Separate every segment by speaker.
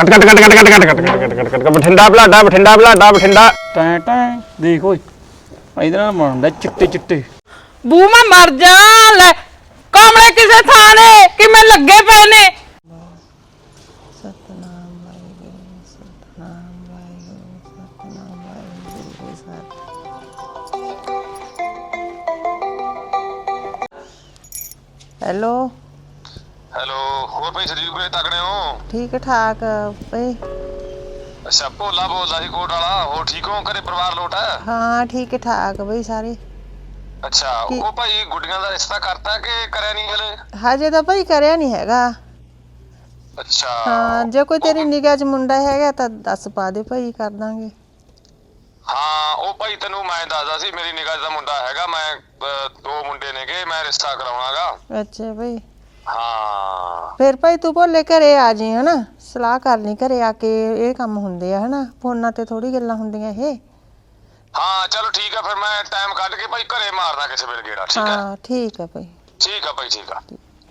Speaker 1: Cut cut cut cut cut cut cut cut cut cut Bathinda बलाडा बठिंडा बलाडा बठिंडा
Speaker 2: ਟੈਂ ਟੈਂ ਦੇਖ ਓਏ ਇਹਦੇ ਨਾਲ ਬਣਦਾ ਚਿੱਟੇ ਚਿੱਟੇ
Speaker 3: ਬੂ ਮੈਂ ਮਰ ਜਾ ਲੈ ਕਮਲੇ ਕਿਸੇ ਥਾਂ ਨੇ ਕਿਵੇਂ ਲੱਗੇ ਪਏ ਨੇ
Speaker 4: हेलो
Speaker 5: हेलो और भाई शरीर को तगड़े हो
Speaker 4: ठीक ठाक भाई
Speaker 5: अच्छा भोला बोलदा सी कोट वाला हो ठीक हो घरे परिवार लोट है
Speaker 4: हाँ ठीक ठाक भाई सारे
Speaker 5: अच्छा ओ भाई गुड्डियां दा रिश्ता करता कि करया नहीं हले
Speaker 4: हजे तो भाई करया नहीं हैगा
Speaker 5: अच्छा
Speaker 4: हाँ जो कोई तेरी निगाह च मुंडा हैगा तो दस पा दे भाई कर दांगे
Speaker 5: हाँ ओ भाई तेनू मैं दसदा सी मेरी निगाह दा मुंडा हैगा मैं दो मुंडे नेगे मैं रिश्ता कराउणागा
Speaker 4: अच्छा भाई
Speaker 5: हाँ
Speaker 4: फिर भाई तू भोले घरे आ जी है ना सलाह कर ली घरे आके ये काम हुंदे है ना फोना ते थोड़ी गल्लां हुंदियां ये
Speaker 5: हाँ चलो ठीक है फिर मैं टाइम कट के भाई घरे मारदा किसी वेले गेड़ा ठीक है
Speaker 4: हाँ ठीक है भाई
Speaker 5: ठीक है भाई ठीक है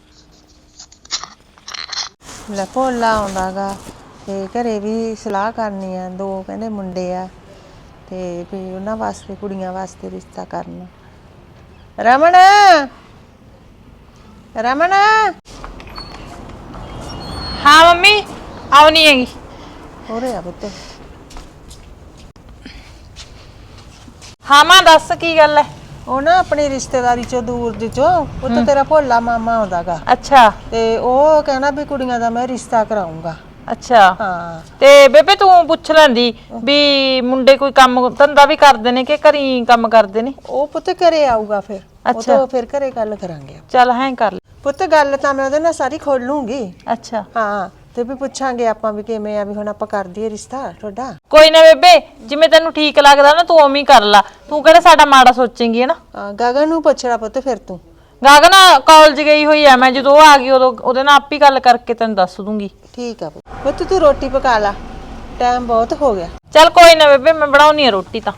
Speaker 4: ले भोला आउंदागा ते घरे भी सलाह करनी आ दो कहंदे मुंडे आ ते भी उन्हां वास्ते कुड़ियां वास्ते रिश्ता करना रमन रमन
Speaker 3: हाँ मम्मी आउनी हैगी
Speaker 4: होरे आ पुत्त
Speaker 3: हाँ मां दस की गल है
Speaker 4: ਉਹ ਨਾ ਆਪਣੀ ਰਿਸ਼ਤੇਦਾਰੀ ਚੋਂ ਦੂਰ ਦੀ ਚੋਂ ਪੁੱਤ ਤੇਰਾ ਭੋਲਾ ਮਾਮਾ ਆਉਂਦਾਗਾ
Speaker 3: अच्छा
Speaker 4: ਤੇ ਉਹ ਕਹਿੰਦਾ ਵੀ ਕੁੜੀਆਂ ਦਾ ਮੈਂ ਰਿਸ਼ਤਾ ਕਰਾਉਂਗਾ
Speaker 3: अच्छा
Speaker 4: ਹਾਂ
Speaker 3: ਤੇ ਬੇਬੇ ਤੂੰ ਪੁੱਛ ਲੈਂਦੀ ਵੀ ਮੁੰਡੇ ਕੋਈ ਕੰਮ ਧੰਦਾ ਵੀ ਕਰਦੇ ਨੇ ਕਿ ਘਰੀ ਕੰਮ ਕਰਦੇ ਨੇ
Speaker 4: ਉਹ ਪੁੱਤ ਘਰੇ ਆਊਗਾ ਫਿਰ ਉਹ
Speaker 3: ਅੱਛਾ।
Speaker 4: ਤੋਂ ਫਿਰ ਘਰੇ ਗੱਲ ਕਰਾਂਗੇ
Speaker 3: ਚੱਲ ਹੈਂ ਕਰ ਲੈ
Speaker 4: ਪੁੱਤ ਗੱਲ ਤਾਂ ਮੈਂ ਉਹਦੇ ਨਾਲ ਸਾਰੀ ਖੋਲ ਲੂੰਗੀ
Speaker 3: ਅੱਛਾ
Speaker 4: ਹਾਂ ਤੇ ਵੀ ਪੁੱਛਾਂਗੇ ਆਪਾਂ ਵੀ ਕਿਵੇਂ ਆ ਵੀ ਹੁਣ ਆਪਾਂ ਕਰ ਦਈਏ ਰਿਸ਼ਤਾ ਤੁਹਾਡਾ
Speaker 3: ਕੋਈ ਨਾ ਬੇਬੇ ਜਿਵੇਂ ਤੈਨੂੰ ਠੀਕ ਲੱਗਦਾ ਨਾ ਤੂੰ ਉਵੇਂ ਹੀ ਕਰ ਲਾ ਤੂੰ ਕਿਹੜਾ ਸਾਡਾ ਮਾੜਾ ਸੋਚੇਂਗੀ ਹੈ ਨਾ
Speaker 4: ਗਗਨ ਨੂੰ ਪੁੱਛਣਾ ਪੁੱਤ ਫਿਰ ਤੂੰ
Speaker 3: ਗਾਗਨ ਕਾਲਜ ਗਈ ਹੋਈ ਐ ਮੈਂ ਜਦੋਂ ਆ ਗਈ ਉਦੋਂ ਉਹਦੇ ਨਾਲ ਆਪ ਹੀ ਗੱਲ ਕਰਕੇ ਤੈਨੂੰ ਦੱਸ ਦੂੰਗੀ
Speaker 4: ਠੀਕ ਆ ਪੁੱਤ ਤੂੰ ਰੋਟੀ ਪਕਾ ਲਾ ਟਾਈਮ ਬਹੁਤ ਹੋ ਗਿਆ
Speaker 3: ਚੱਲ ਕੋਈ ਨਾ ਬੇਬੇ ਮੈਂ ਬਣਾਉਣੀ ਆ ਰੋਟੀ ਤਾਂ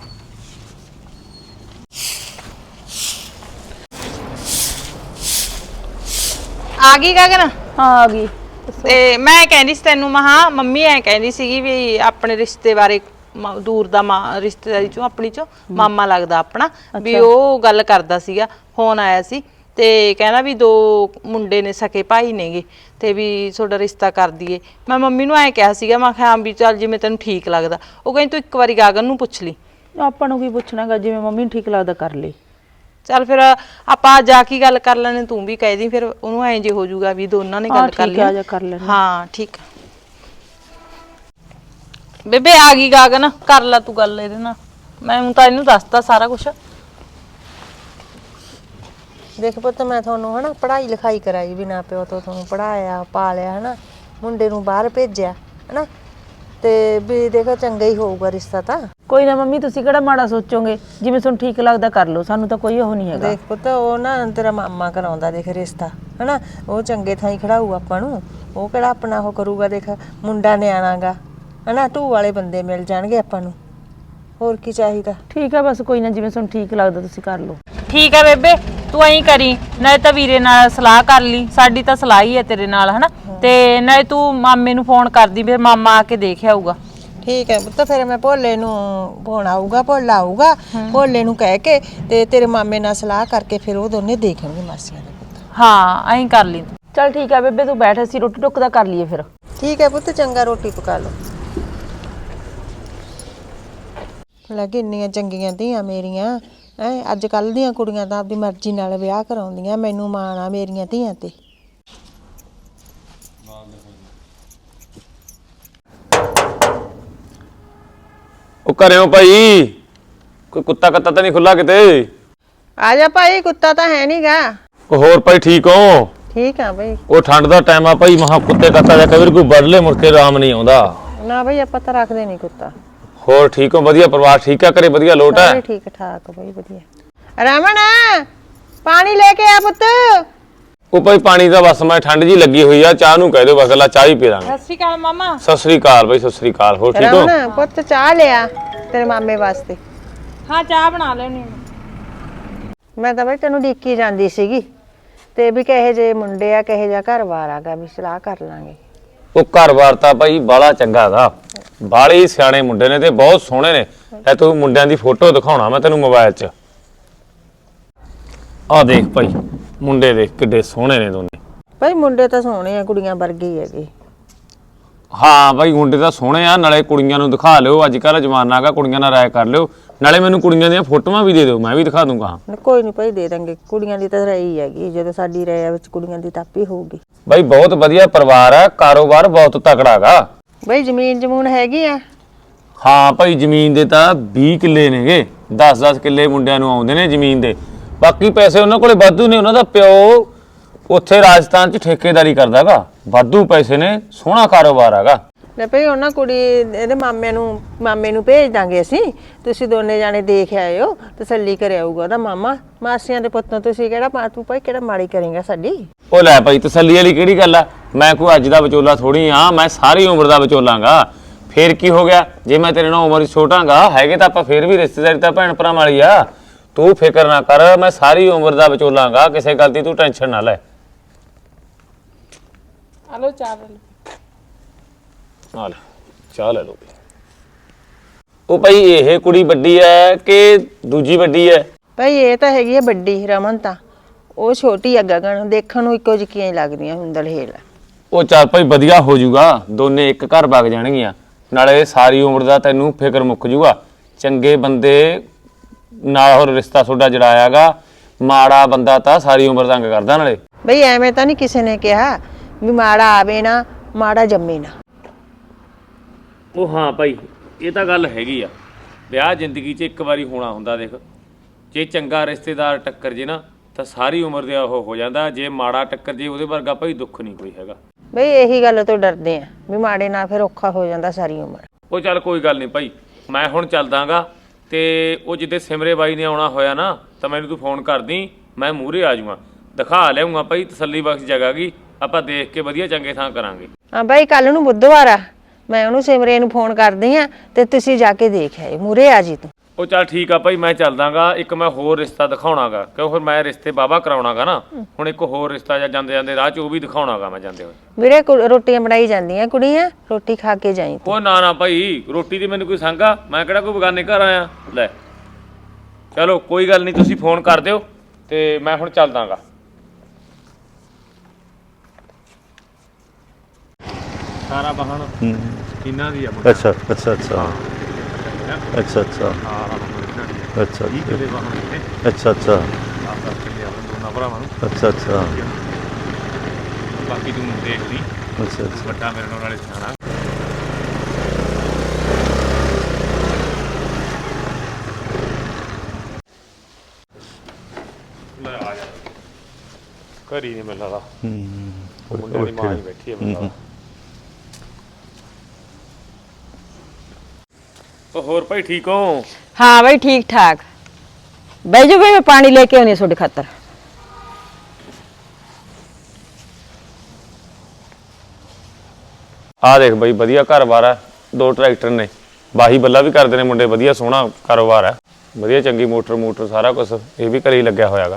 Speaker 3: ਆ ਗਈ ਗਗਨ
Speaker 6: ਹਾਂ ਆ ਗਈ
Speaker 3: ਤੇ ਮੈਂ ਕਹਿੰਦੀ ਸੀ ਤੈਨੂੰ ਮਹਾ ਮੰਮੀ ਐ ਕਹਿੰਦੀ ਸੀਗੀ ਵੀ ਆਪਣੇ ਰਿਸ਼ਤੇ ਬਾਰੇ ਦੂਰ ਦਾ ਰਿਸ਼ਤੇਦਾਰੀ ਚੋਂ ਆਪਣੀ ਚੋਂ ਮਾਮਾ ਲੱਗਦਾ ਆਪਣਾ ਵੀ ਉਹ ਗੱਲ ਕਰਦਾ ਸੀਗਾ ਫੋਨ ਆਇਆ ਸੀ ਤੇ ਕਹਿੰਦਾ ਵੀ ਦੋ ਮੁੰਡੇ ਨੇ ਸਕੇ ਭਾਈ ਨੇਗੇ ਤੇ ਵੀ ਤੁਹਾਡਾ ਰਿਸ਼ਤਾ ਕਰ ਦਈਏ ਮੈਂ ਮੰਮੀ ਨੂੰ ਐ ਕਿਹਾ ਸੀਗਾ ਮੈਂ ਕਿਹਾ ਵੀ ਚੱਲ ਜਿਵੇਂ ਤੈਨੂੰ ਠੀਕ ਲੱਗਦਾ ਉਹ ਕਹਿੰਦੀ ਤੂੰ ਇੱਕ ਵਾਰੀ ਗਗਨ ਨੂੰ ਪੁੱਛ ਲਈ
Speaker 6: ਆਪਾਂ ਨੂੰ ਕੀ ਪੁੱਛਣਾਗਾ ਜਿਵੇਂ ਮੰਮੀ ਨੂੰ ਠੀਕ ਲੱਗਦਾ ਕਰ ਲਈ
Speaker 3: ਚੱਲ ਫਿਰ ਆਪਾਂ ਜਾ ਕੇ ਗੱਲ ਕਰ ਲੈਣੇ ਤੂੰ ਵੀ ਕਹਿ ਦੀ ਫਿਰ ਉਹਨੂੰ ਐਂ ਜੇ ਹੋ ਜਾਊਗਾ ਵੀ ਦੋਨਾਂ ਨੇ ਗੱਲ ਕਰ ਲਈ
Speaker 6: ਕਰ ਲੈਣੇ
Speaker 3: ਹਾਂ ਠੀਕ ਬੇਬੇ ਆ ਗਈ ਗਗਨ ਕਰ ਲੈ ਤੂੰ ਗੱਲ ਇਹਦੇ ਨਾਲ ਮੈਂ ਤਾਂ ਇਹਨੂੰ ਦੱਸਤਾ ਸਾਰਾ ਕੁਝ
Speaker 4: ਦੇਖ ਪੁੱਤ ਮੈਂ ਤੁਹਾਨੂੰ ਹਨਾ ਪੜ੍ਹਾਈ ਲਿਖਾਈ ਕਰਾਈ ਬਿਨਾਂ ਪਿਓ ਤੋਂ ਤੁਹਾਨੂੰ ਪੜਾਇਆ ਪਾਲਿਆ ਹਨਾ ਮੁੰਡੇ ਨੂੰ ਬਾਹਰ ਭੇਜਿਆ ਹਨਾ ਤੇ ਵੀ ਦੇਖੋ ਚੰਗਾ ਹੀ ਹੋਊਗਾ ਰਿਸ਼ਤਾ ਤਾਂ
Speaker 6: ਕੋਈ ਨਾ ਮੰਮੀ ਤੁਸੀਂ ਕਿਹੜਾ ਮਾੜਾ ਸੋਚੋਗੇ ਜਿਵੇਂ ਤੁਹਾਨੂੰ ਠੀਕ ਲੱਗਦਾ ਕਰ ਲਓ ਸਾਨੂੰ ਤਾਂ ਕੋਈ ਉਹ ਨਹੀਂ ਹੈਗਾ
Speaker 4: ਦੇਖ ਪੁੱਤ ਉਹ ਨਾ ਤੇਰਾ ਮਾਮਾ ਕਰਾਉਂਦਾ ਦੇਖ ਰਿਸ਼ਤਾ ਹਨਾ ਉਹ ਚੰਗੇ ਥਾਂ ਹੀ ਖੜਾਊ ਆਪਾਂ ਨੂੰ ਉਹ ਕਿਹੜਾ ਆਪਣਾ ਉਹ ਕਰੂਗਾ ਦੇਖ ਮੁੰਡਾ ਨਿਆਣਾਗਾ ਹਨਾ ਢੂ ਵਾਲੇ ਬੰਦੇ ਮਿਲ ਜਾਣਗੇ ਆਪਾਂ ਨੂੰ ਹੋਰ ਕੀ ਚਾਹੀਦਾ
Speaker 6: ਠੀਕ ਹੈ ਬਸ ਕੋਈ ਨਾ ਜਿਵੇਂ ਤੁਹਾਨੂੰ ਠੀਕ ਲੱਗਦਾ ਤੁਸੀਂ ਕਰ ਲਓ
Speaker 3: ਠੀਕ ਹੈ ਬੇਬੇ ਤੂੰ ਐਂ ਕਰੀ ਨਾਲੇ ਤਾਂ ਵੀਰੇ ਨਾਲ ਸਲਾਹ ਕਰ ਲਈ ਸਾਡੀ ਤਾਂ ਸਲਾਹ ਹੀ ਹੈ ਤੇਰੇ ਨਾਲ ਹਨਾ ਤੇ ਨਾਲੇ ਤੂੰ ਮਾਮੇ ਨੂੰ ਫੋਨ ਕਰਦੀ ਫਿਰ ਮਾਮਾ ਆ ਕੇ ਦੇਖ ਆਊਗਾ
Speaker 4: ਠੀਕ ਹੈ ਪੁੱਤ ਫਿਰ ਮੈਂ ਭੋਲੇ ਨੂੰ ਫੋਨ ਆਊਗਾ ਭੋਲਾ ਆਊਗਾ ਭੋਲੇ ਨੂੰ ਕਹਿ ਕੇ ਤੇ ਤੇਰੇ ਮਾਮੇ ਨਾਲ ਸਲਾਹ ਕਰਕੇ ਫਿਰ ਉਹ ਦੋਨੇ ਦੇਖਣਗੇ ਮਾਸੀਆਂ ਦੇ ਪੁੱਤ
Speaker 3: ਹਾਂ ਐਂ ਕਰ ਲਈ ਤੂੰ
Speaker 6: ਚੱਲ ਠੀਕ ਹੈ ਬੇਬੇ ਤੂੰ ਬੈਠ ਅਸੀਂ ਰੋਟੀ ਟੁੱਕ ਦਾ ਕਰ ਲਈਏ ਫਿਰ
Speaker 4: ਠੀਕ ਹੈ ਪੁੱਤ ਚੰਗਾ ਰੋਟੀ ਪਕਾ ਲਓ ਲੱਗੇ ਇੰਨੀਆਂ ਚੰਗੀਆਂ ਧੀਆਂ ਮੇਰੀਆਂ ਅੱਜ ਕੱਲ ਦੀਆਂ ਕੁੜੀਆਂ ਤਾਂ ਆਪਦੀ ਮਰਜ਼ੀ ਨਾਲ ਵਿਆਹ ਕਰਾਉਂਦੀਆਂ ਮੈਨੂੰ ਮਾਣ ਆ ਮੇਰੀਆਂ ਧੀਆਂ ਤੇ
Speaker 1: ਉਹ ਘਰਿਓ ਭਾਈ ਕੋਈ ਕੁੱਤਾ ਕੱਤਾ ਤਾਂ ਨਹੀਂ ਖੁੱਲਾ ਕਿਤੇ
Speaker 4: ਆ ਜਾ ਭਾਈ ਕੁੱਤਾ ਤਾਂ ਹੈ ਨਹੀਂਗਾ
Speaker 1: ਉਹ ਹੋਰ ਭਾਈ ਠੀਕ ਹੋ
Speaker 4: ਠੀਕ ਆ ਭਾਈ
Speaker 1: ਉਹ ਠੰਡ ਦਾ ਟਾਈਮ ਆ ਭਾਈ ਮਹਾ ਕੁੱਤੇ ਕੱਤਾ ਜਾਂ ਕਦੇ ਕੋਈ ਵੱਢ ਲੈ ਮੁੜ ਕੇ ਆਰਾਮ ਨਹੀਂ ਆਉਂਦਾ
Speaker 4: ਨਾ ਭਾਈ ਆਪਾਂ ਤਾਂ ਰੱਖਦੇ ਨਹੀਂ ਕੁੱਤਾ
Speaker 1: ਹੋਰ ਠੀਕ ਹੋ ਵਧੀਆ ਪਰਿਵਾਰ ਠੀਕ ਆ ਘਰੇ ਵਧੀਆ ਲੋਟ ਹੈ
Speaker 4: ਠੀਕ ਠਾਕ ਭਾਈ ਵਧੀਆ ਰਮਨ ਪਾਣੀ ਲੈ ਕੇ ਆ ਪੁੱਤ
Speaker 1: ਉਹ ਭਾਈ ਪਾਣੀ ਦਾ ਬਸ ਮੈਂ ਠੰਡ ਜੀ ਲੱਗੀ ਹੋਈ ਆ ਚਾਹ ਨੂੰ ਕਹਿ ਦਿਓ ਬਸ ਲਾ ਚਾਹ ਹੀ ਪੀ ਲਾਂਗੇ
Speaker 3: ਸਤਿ ਸ਼੍ਰੀ ਅਕਾਲ ਮਾਮਾ
Speaker 1: ਸਤਿ ਸ੍ਰੀ ਅਕਾਲ ਭਾਈ ਸਤਿ ਸ੍ਰੀ ਅਕਾਲ ਹੋਰ ਠੀਕ ਹੋ
Speaker 4: ਰਮਨ ਪੁੱਤ ਚਾਹ ਲਿਆ ਤੇਰੇ ਮਾਮੇ ਵਾਸਤੇ
Speaker 3: ਹਾਂ ਚਾਹ ਬਣਾ ਲੈਣੀ
Speaker 4: ਮੈਂ ਤਾਂ ਬਈ ਤੈਨੂੰ ਡੀਕੀ ਜਾਂਦੀ ਸੀਗੀ ਤੇ ਵੀ ਕਹੇ ਜੇ ਮੁੰਡੇ ਆ ਕਹੇ ਜਾ ਘਰ-ਬਾਰ ਆਗਾ ਵੀ ਸਲਾਹ ਕਰ ਲਾਂਗੇ
Speaker 1: ਉਹ ਘਰ-ਬਾਰ ਤਾਂ ਭਾਈ ਬਾਲਾ ਚੰਗਾ ਗਾ, ਬਾਲੇ ਹੀ ਸਿਆਣੇ ਮੁੰਡੇ ਨੇ ਤੇ ਬਹੁਤ ਸੋਹਣੇ ਨੇ। ਐ ਤੂੰ ਮੁੰਡਿਆਂ ਦੀ ਫੋਟੋ ਦਿਖਾਉਣਾ ਮੈਂ ਤੈਨੂੰ ਮੋਬਾਈਲ 'ਚ। ਆ ਦੇਖ ਭਾਈ ਮੁੰਡੇ ਦੇਖ ਕਿੱਡੇ ਸੋਹਣੇ ਨੇ ਦੋਨੇ।
Speaker 4: ਭਾਈ ਮੁੰਡੇ ਤਾਂ ਸੋਹਣੇ ਆ, ਕੁੜੀਆਂ ਵਰਗੇ ਹੀ ਹੈਗੇ।
Speaker 1: ਹਾਂ ਭਾਈ ਮੁੰਡੇ ਤਾਂ ਸੋਹਣੇ ਆ, ਨਾਲੇ ਕੁੜੀਆਂ ਨੂੰ ਦਿਖਾ ਲਿਓ, ਅੱਜ ਕੱਲ੍ਹ ਜਮਾਨਾ ਹੈਗਾ, ਕੁੜੀਆਂ ਨਾਲ ਰਾਏ ਕਰ ਲਿਓ, ਨਾਲੇ ਮੈਨੂੰ ਕੁੜੀਆਂ ਦੀਆਂ ਫੋਟੋਆਂ ਵੀ ਦੇ ਦਿਓ, ਮੈਂ ਵੀ ਦਿਖਾ ਦੂੰਗਾ।
Speaker 4: ਕੋਈ ਨਹੀਂ ਭਾਈ, ਦੇ ਦਾਂਗੇ। ਕੁੜੀਆਂ ਦੀ ਤਾਂ ਰਹੀ ਹੈਗੀ, ਜਦੋਂ ਸਾਡੀ ਰਾਇ ਵਿੱਚ ਕੁੜੀਆਂ ਦੀ ਤਾਪੀ ਹੋਊਗੀ।
Speaker 1: ਭਾਈ ਬਹੁਤ ਵਧੀਆ ਪਰਿਵਾਰ ਆ, ਕਾਰੋਬਾਰ ਬਹੁਤ ਤਕੜਾ ਗਾ।
Speaker 4: ਭਾਈ ਜ਼ਮੀਨ ਜਮੂਨ ਹੈਗੀ ਆ?
Speaker 1: ਹਾਂ ਭਾਈ ਜ਼ਮੀਨ ਦੇ ਤਾਂ 20 ਕਿੱਲੇ ਨੇਗੇ, 10-10 ਕਿੱਲੇ ਮੁੰਡਿਆਂ ਨੂੰ ਆਉਂਦੇ ਨੇ ਜ਼ਮੀਨ ਦੇ। ਬਾਕੀ ਪੈਸੇ ਉਹਨਾਂ ਕੋਲੇ ਵਾਧੂ ਨੇ, ਉਹਨਾਂ ਦਾ ਪਿਓ ਉੱਥੇ ਰਾਜਸਥਾਨ 'ਚ ਠੇਕੇਦਾਰੀ ਕਰਦਾਗਾ, ਵਾਧੂ ਪੈਸੇ ਨੇ, ਸੋਹਣਾ ਕਾਰੋਬਾਰ ਹੈਗਾ।
Speaker 4: ਲੈ ਭਾਈ ਉਹਨਾਂ ਕੁੜੀ ਇਹਦੇ ਮਾਮੇ ਨੂੰ ਭੇਜ ਦਾਂਗੇ ਅਸੀਂ, ਤੁਸੀਂ ਦੋਨੇ ਜਾਣੇ ਦੇਖ ਆਇਓ, ਤਸੱਲੀ ਕਰ ਆਊਗਾ ਉਹਦਾ ਮਾਮਾ। ਮਾਸੀਆਂ ਦੇ ਪੁੱਤੋਂ ਤੁਸੀਂ ਤੂੰ ਭਾਈ ਕਿਹੜਾ ਮਾੜੀ ਕਰੇਗਾ ਸਾਡੀ।
Speaker 1: ਉਹ ਲੈ ਭਾਈ ਤਸੱਲੀ ਵਾਲੀ ਕਿਹੜੀ ਗੱਲ ਆ, ਮੈਂ ਕੋਈ ਅੱਜ ਦਾ ਵਿਚੋਲਾ ਥੋੜੀ ਆ, ਮੈਂ ਸਾਰੀ ਉਮਰ ਦਾ ਵਿਚੋਲਾਂਗਾ। ਫੇਰ ਕੀ ਹੋ ਗਿਆ, ਜੇ ਮੈਂ ਤੇਰੇ ਨਾਲ ਉਮਰ ਛੋਟਾਂਗਾ, ਹੈਗੇ ਤਾਂ ਆਪਾਂ ਫੇਰ ਵੀ ਰਿਸ਼ਤੇਦਾਰੀ ਤਾਂ ਭੈਣ ਭਰਾ ਵਾਲੀ ਆ। ਤੂੰ ਫਿਕਰ ਨਾ ਕਰ, ਮੈਂ ਸਾਰੀ ਉਮਰ ਦਾ ਵਿਚੋਲਾਂਗਾ, ਕਿਸੇ ਗੱਲ ਦੀ ਤੂੰ ਟੈਨਸ਼ਨ ਨਾ ਲੈ।
Speaker 3: ਹਲੋ ਚਾਹ
Speaker 1: ਆ ਲੈ ਚਾਹ ਲੈ ਲਓ। ਉਹ ਭਾਈ ਇਹ ਕੁੜੀ ਵੱਡੀ ਐ ਕਿ ਦੂਜੀ ਵੱਡੀ ਐ?
Speaker 4: ਭਾਈ ਇਹ ਤਾਂ ਹੈਗੀ ਆ ਵੱਡੀ, ਰਮਨ ਤਾਂ। ਉਹ ਛੋਟੀ ਆ ਗਗਨ, ਦੇਖਣ ਨੂੰ ਇੱਕੋ ਜਿਹੀਆਂ ਹੀ ਲੱਗਦੀਆਂ ਹੁੰਦਲ ਹੇਲ।
Speaker 1: ਉਹ ਚੱਲ ਭਾਈ ਵਧੀਆ ਹੋ ਜਾਊਗਾ, ਦੋਨੇ ਇੱਕ ਘਰ ਵਗ ਜਾਣਗੀਆਂ, ਨਾਲੇ ਸਾਰੀ ਉਮਰ ਦਾ ਤੈਨੂੰ ਫਿਕਰ ਮੁੱਕ ਜਾਊਗਾ। ਚੰਗੇ ਬੰਦੇ ਨਾਲ ਹੋਰ ਰਿਸ਼ਤਾ ਤੁਹਾਡਾ ਜੜਾਇਆਗਾ, ਮਾੜਾ ਬੰਦਾ ਤਾਂ ਸਾਰੀ ਉਮਰ ਤੰਗ ਕਰਦਾ। ਨਾਲੇ
Speaker 4: ਬਈ ਐਵੇਂ ਤਾਂ ਨਹੀਂ ਕਿਸੇ ਨੇ ਕਿਹਾ ਵੀ ਮਾੜਾ ਆਵੇ ਨਾ ਮਾੜਾ ਜੰਮੇ ਨਾ।
Speaker 1: ਉਹ ਹਾਂ ਭਾਈ ਇਹ ਤਾਂ ਗੱਲ ਹੈਗੀ ਆ, ਵਿਆਹ ਜ਼ਿੰਦਗੀ 'ਚ ਇੱਕ ਵਾਰੀ ਹੋਣਾ ਹੁੰਦਾ। ਦੇਖ ਜੇ ਚੰਗਾ ਰਿਸ਼ਤੇਦਾਰ ਟੱਕਰ ਜੇ ਨਾ ਤਾਂ ਸਾਰੀ ਉਮਰ ਦੇ ਉਹ ਹੋ ਜਾਂਦਾ, ਜੇ ਮਾੜਾ ਟੱਕਰ ਜੇ ਉਹਦੇ ਵਰਗਾ ਭਾਈ ਦੁੱਖ ਨਹੀਂ ਕੋਈ ਹੈਗਾ।
Speaker 4: ਬਈ ਇਹੀ ਗੱਲ ਤੋਂ ਡਰਦੇ ਆ ਵੀ ਮਾੜੇ ਨਾਲ ਫਿਰ ਔਖਾ ਹੋ ਜਾਂਦਾ ਸਾਰੀ ਉਮਰ।
Speaker 1: ਉਹ ਚੱਲ ਕੋਈ ਗੱਲ ਨਹੀਂ ਭਾਈ, ਮੈਂ ਹੁਣ ਚੱਲਦਾਗਾ, ਤੇ ਉਹ ਜਿੱਦੇ ਸਿਮਰੇ ਬਾਈ ਨੇ ਆਉਣਾ ਹੋਇਆ ਨਾ ਤਾਂ ਮੈਨੂੰ ਤੂੰ ਫੋਨ ਕਰਦੀ, ਮੈਂ ਮੂਹਰੇ ਆ ਜਾਊਂਗਾ, ਦਿਖਾ ਲਿਆਉਂਗਾ ਭਾਈ ਤਸੱਲੀ ਬਖਸ਼ ਜਗ੍ਹਾ ਗੀ, ਆਪਾਂ ਦੇਖ ਕੇ ਵਧੀਆ ਚੰਗੇ ਥਾਂ ਕਰਾਂਗੇ।
Speaker 4: ਹਾਂ ਬਾਈ ਕੱਲ ਨੂੰ ਬੁੱਧਵਾਰ ਆ, ਮੈਂ ਉਹਨੂੰ ਸਿਮਰੇ ਨੂੰ ਫੋਨ ਕਰਦੀ ਆ ਤੇ ਤੁਸੀਂ ਜਾ ਕੇ ਦੇਖ ਆਏ, ਮੂਹਰੇ ਆ ਜੀ ਤੂੰ।
Speaker 1: ਉਹ ਚੱਲ ਠੀਕ ਆ ਭਾਈ, ਮੈਂ ਚੱਲਦਾਗਾ। ਇੱਕ ਮੈਂ ਹੋਰ ਰਿਸ਼ਤਾ ਦਿਖਾਉਣਾਗਾ, ਕਿਉਂ ਫਿਰ ਮੈਂ ਰਿਸ਼ਤੇ ਬਾਬਾ ਕਰਾਉਣਾਗਾ ਨਾ, ਹੁਣ ਇੱਕ ਹੋਰ ਰਿਸ਼ਤਾ ਜਾਂ ਜਾਂਦੇ ਜਾਂਦੇ ਰਾਹ 'ਚ ਉਹ ਵੀ ਦਿਖਾਉਣਾਗਾ ਮੈਂ ਜਾਂਦੇ ਹੋਏ।
Speaker 4: ਵੀਰੇ ਰੋਟੀਆਂ ਬਣਾਈ ਜਾਂਦੀਆਂ ਕੁੜੀਆਂ, ਰੋਟੀ ਖਾ ਕੇ ਜਾਈਂ।
Speaker 1: ਉਹ ਨਾ ਭਾਈ, ਰੋਟੀ ਦੀ ਮੈਨੂੰ ਕੋਈ ਸੰਗਾ, ਮੈਂ ਕਿਹੜਾ ਕੋਈ ਬਗਾਨੇ ਘਰ ਆਇਆ। ਲੈ ਚਲੋ ਕੋਈ ਗੱਲ ਨਹੀਂ, ਤੁਸੀਂ ਫੋਨ ਕਰ ਦਿਓ ਤੇ ਮੈਂ ਹੁਣ ਚੱਲਦਾਗਾ। ਸਾਰਾ ਵਾਹਣ ਇਹਨਾਂ ਦੀ ਆ।
Speaker 7: ਅੱਛਾ ਅੱਛਾ ਅੱਛਾ ਅੱਛਾ ਅੱਛਾ ਅੱਛਾ
Speaker 1: ਕਿਹਦੇ ਵਾਹਣ ਨੇ?
Speaker 7: ਅੱਛਾ ਅੱਛਾ
Speaker 1: ਆਪ ਕਿੰਨੇ ਆਉਣ ਦੋਨਾਂ ਭਰਾਵਾਂ ਨੂੰ।
Speaker 7: ਅੱਛਾ ਅੱਛਾ
Speaker 1: ਬਾਕੀ ਤੂੰ ਦੇਖ ਲਈ,
Speaker 7: ਅੱਛਾ ਅੱਛਾ
Speaker 1: ਵੱਡਾ ਮੇਰੇ ਨਾਲ ਨਾਲੇ ਸਿਆਣਾ। ਲੈ ਆ ਜਾ, ਘਰ ਹੀ ਨਹੀਂ ਮਿਲਦਾ। ਮੁੰਡੇ ਦੀ ਮਾਂ ਹੀ ਬੈਠੀ ਹੈ ਮਿਲਦਾ। ਉਹ ਹੋਰ ਭਾਈ ਠੀਕ ਹੋ?
Speaker 6: ਹਾਂ ਬਈ ਠੀਕ ਠਾਕ। ਬਹਿ ਜਾਓ ਬਈ, ਮੈਂ ਪਾਣੀ ਲੈ ਕੇ ਆਉਣੀ ਤੁਹਾਡੇ ਖਾਤਰ।
Speaker 1: ਆ ਦੇਖ ਬਈ ਵਧੀਆ ਘਰ-ਬਾਰ ਹੈ, 2 ਟਰੈਕਟਰ ਨੇ, ਬਾਹੀ ਬੱਲਾ ਵੀ ਕਰਦੇ ਨੇ ਮੁੰਡੇ, ਵਧੀਆ ਸੋਹਣਾ ਕਾਰੋਬਾਰ ਹੈ, ਵਧੀਆ ਚੰਗੀ ਮੋਟਰ ਸਾਰਾ ਕੁਝ ਇਹ ਵੀ ਘਰੇ ਹੀ ਲੱਗਿਆ ਹੋਇਆਗਾ।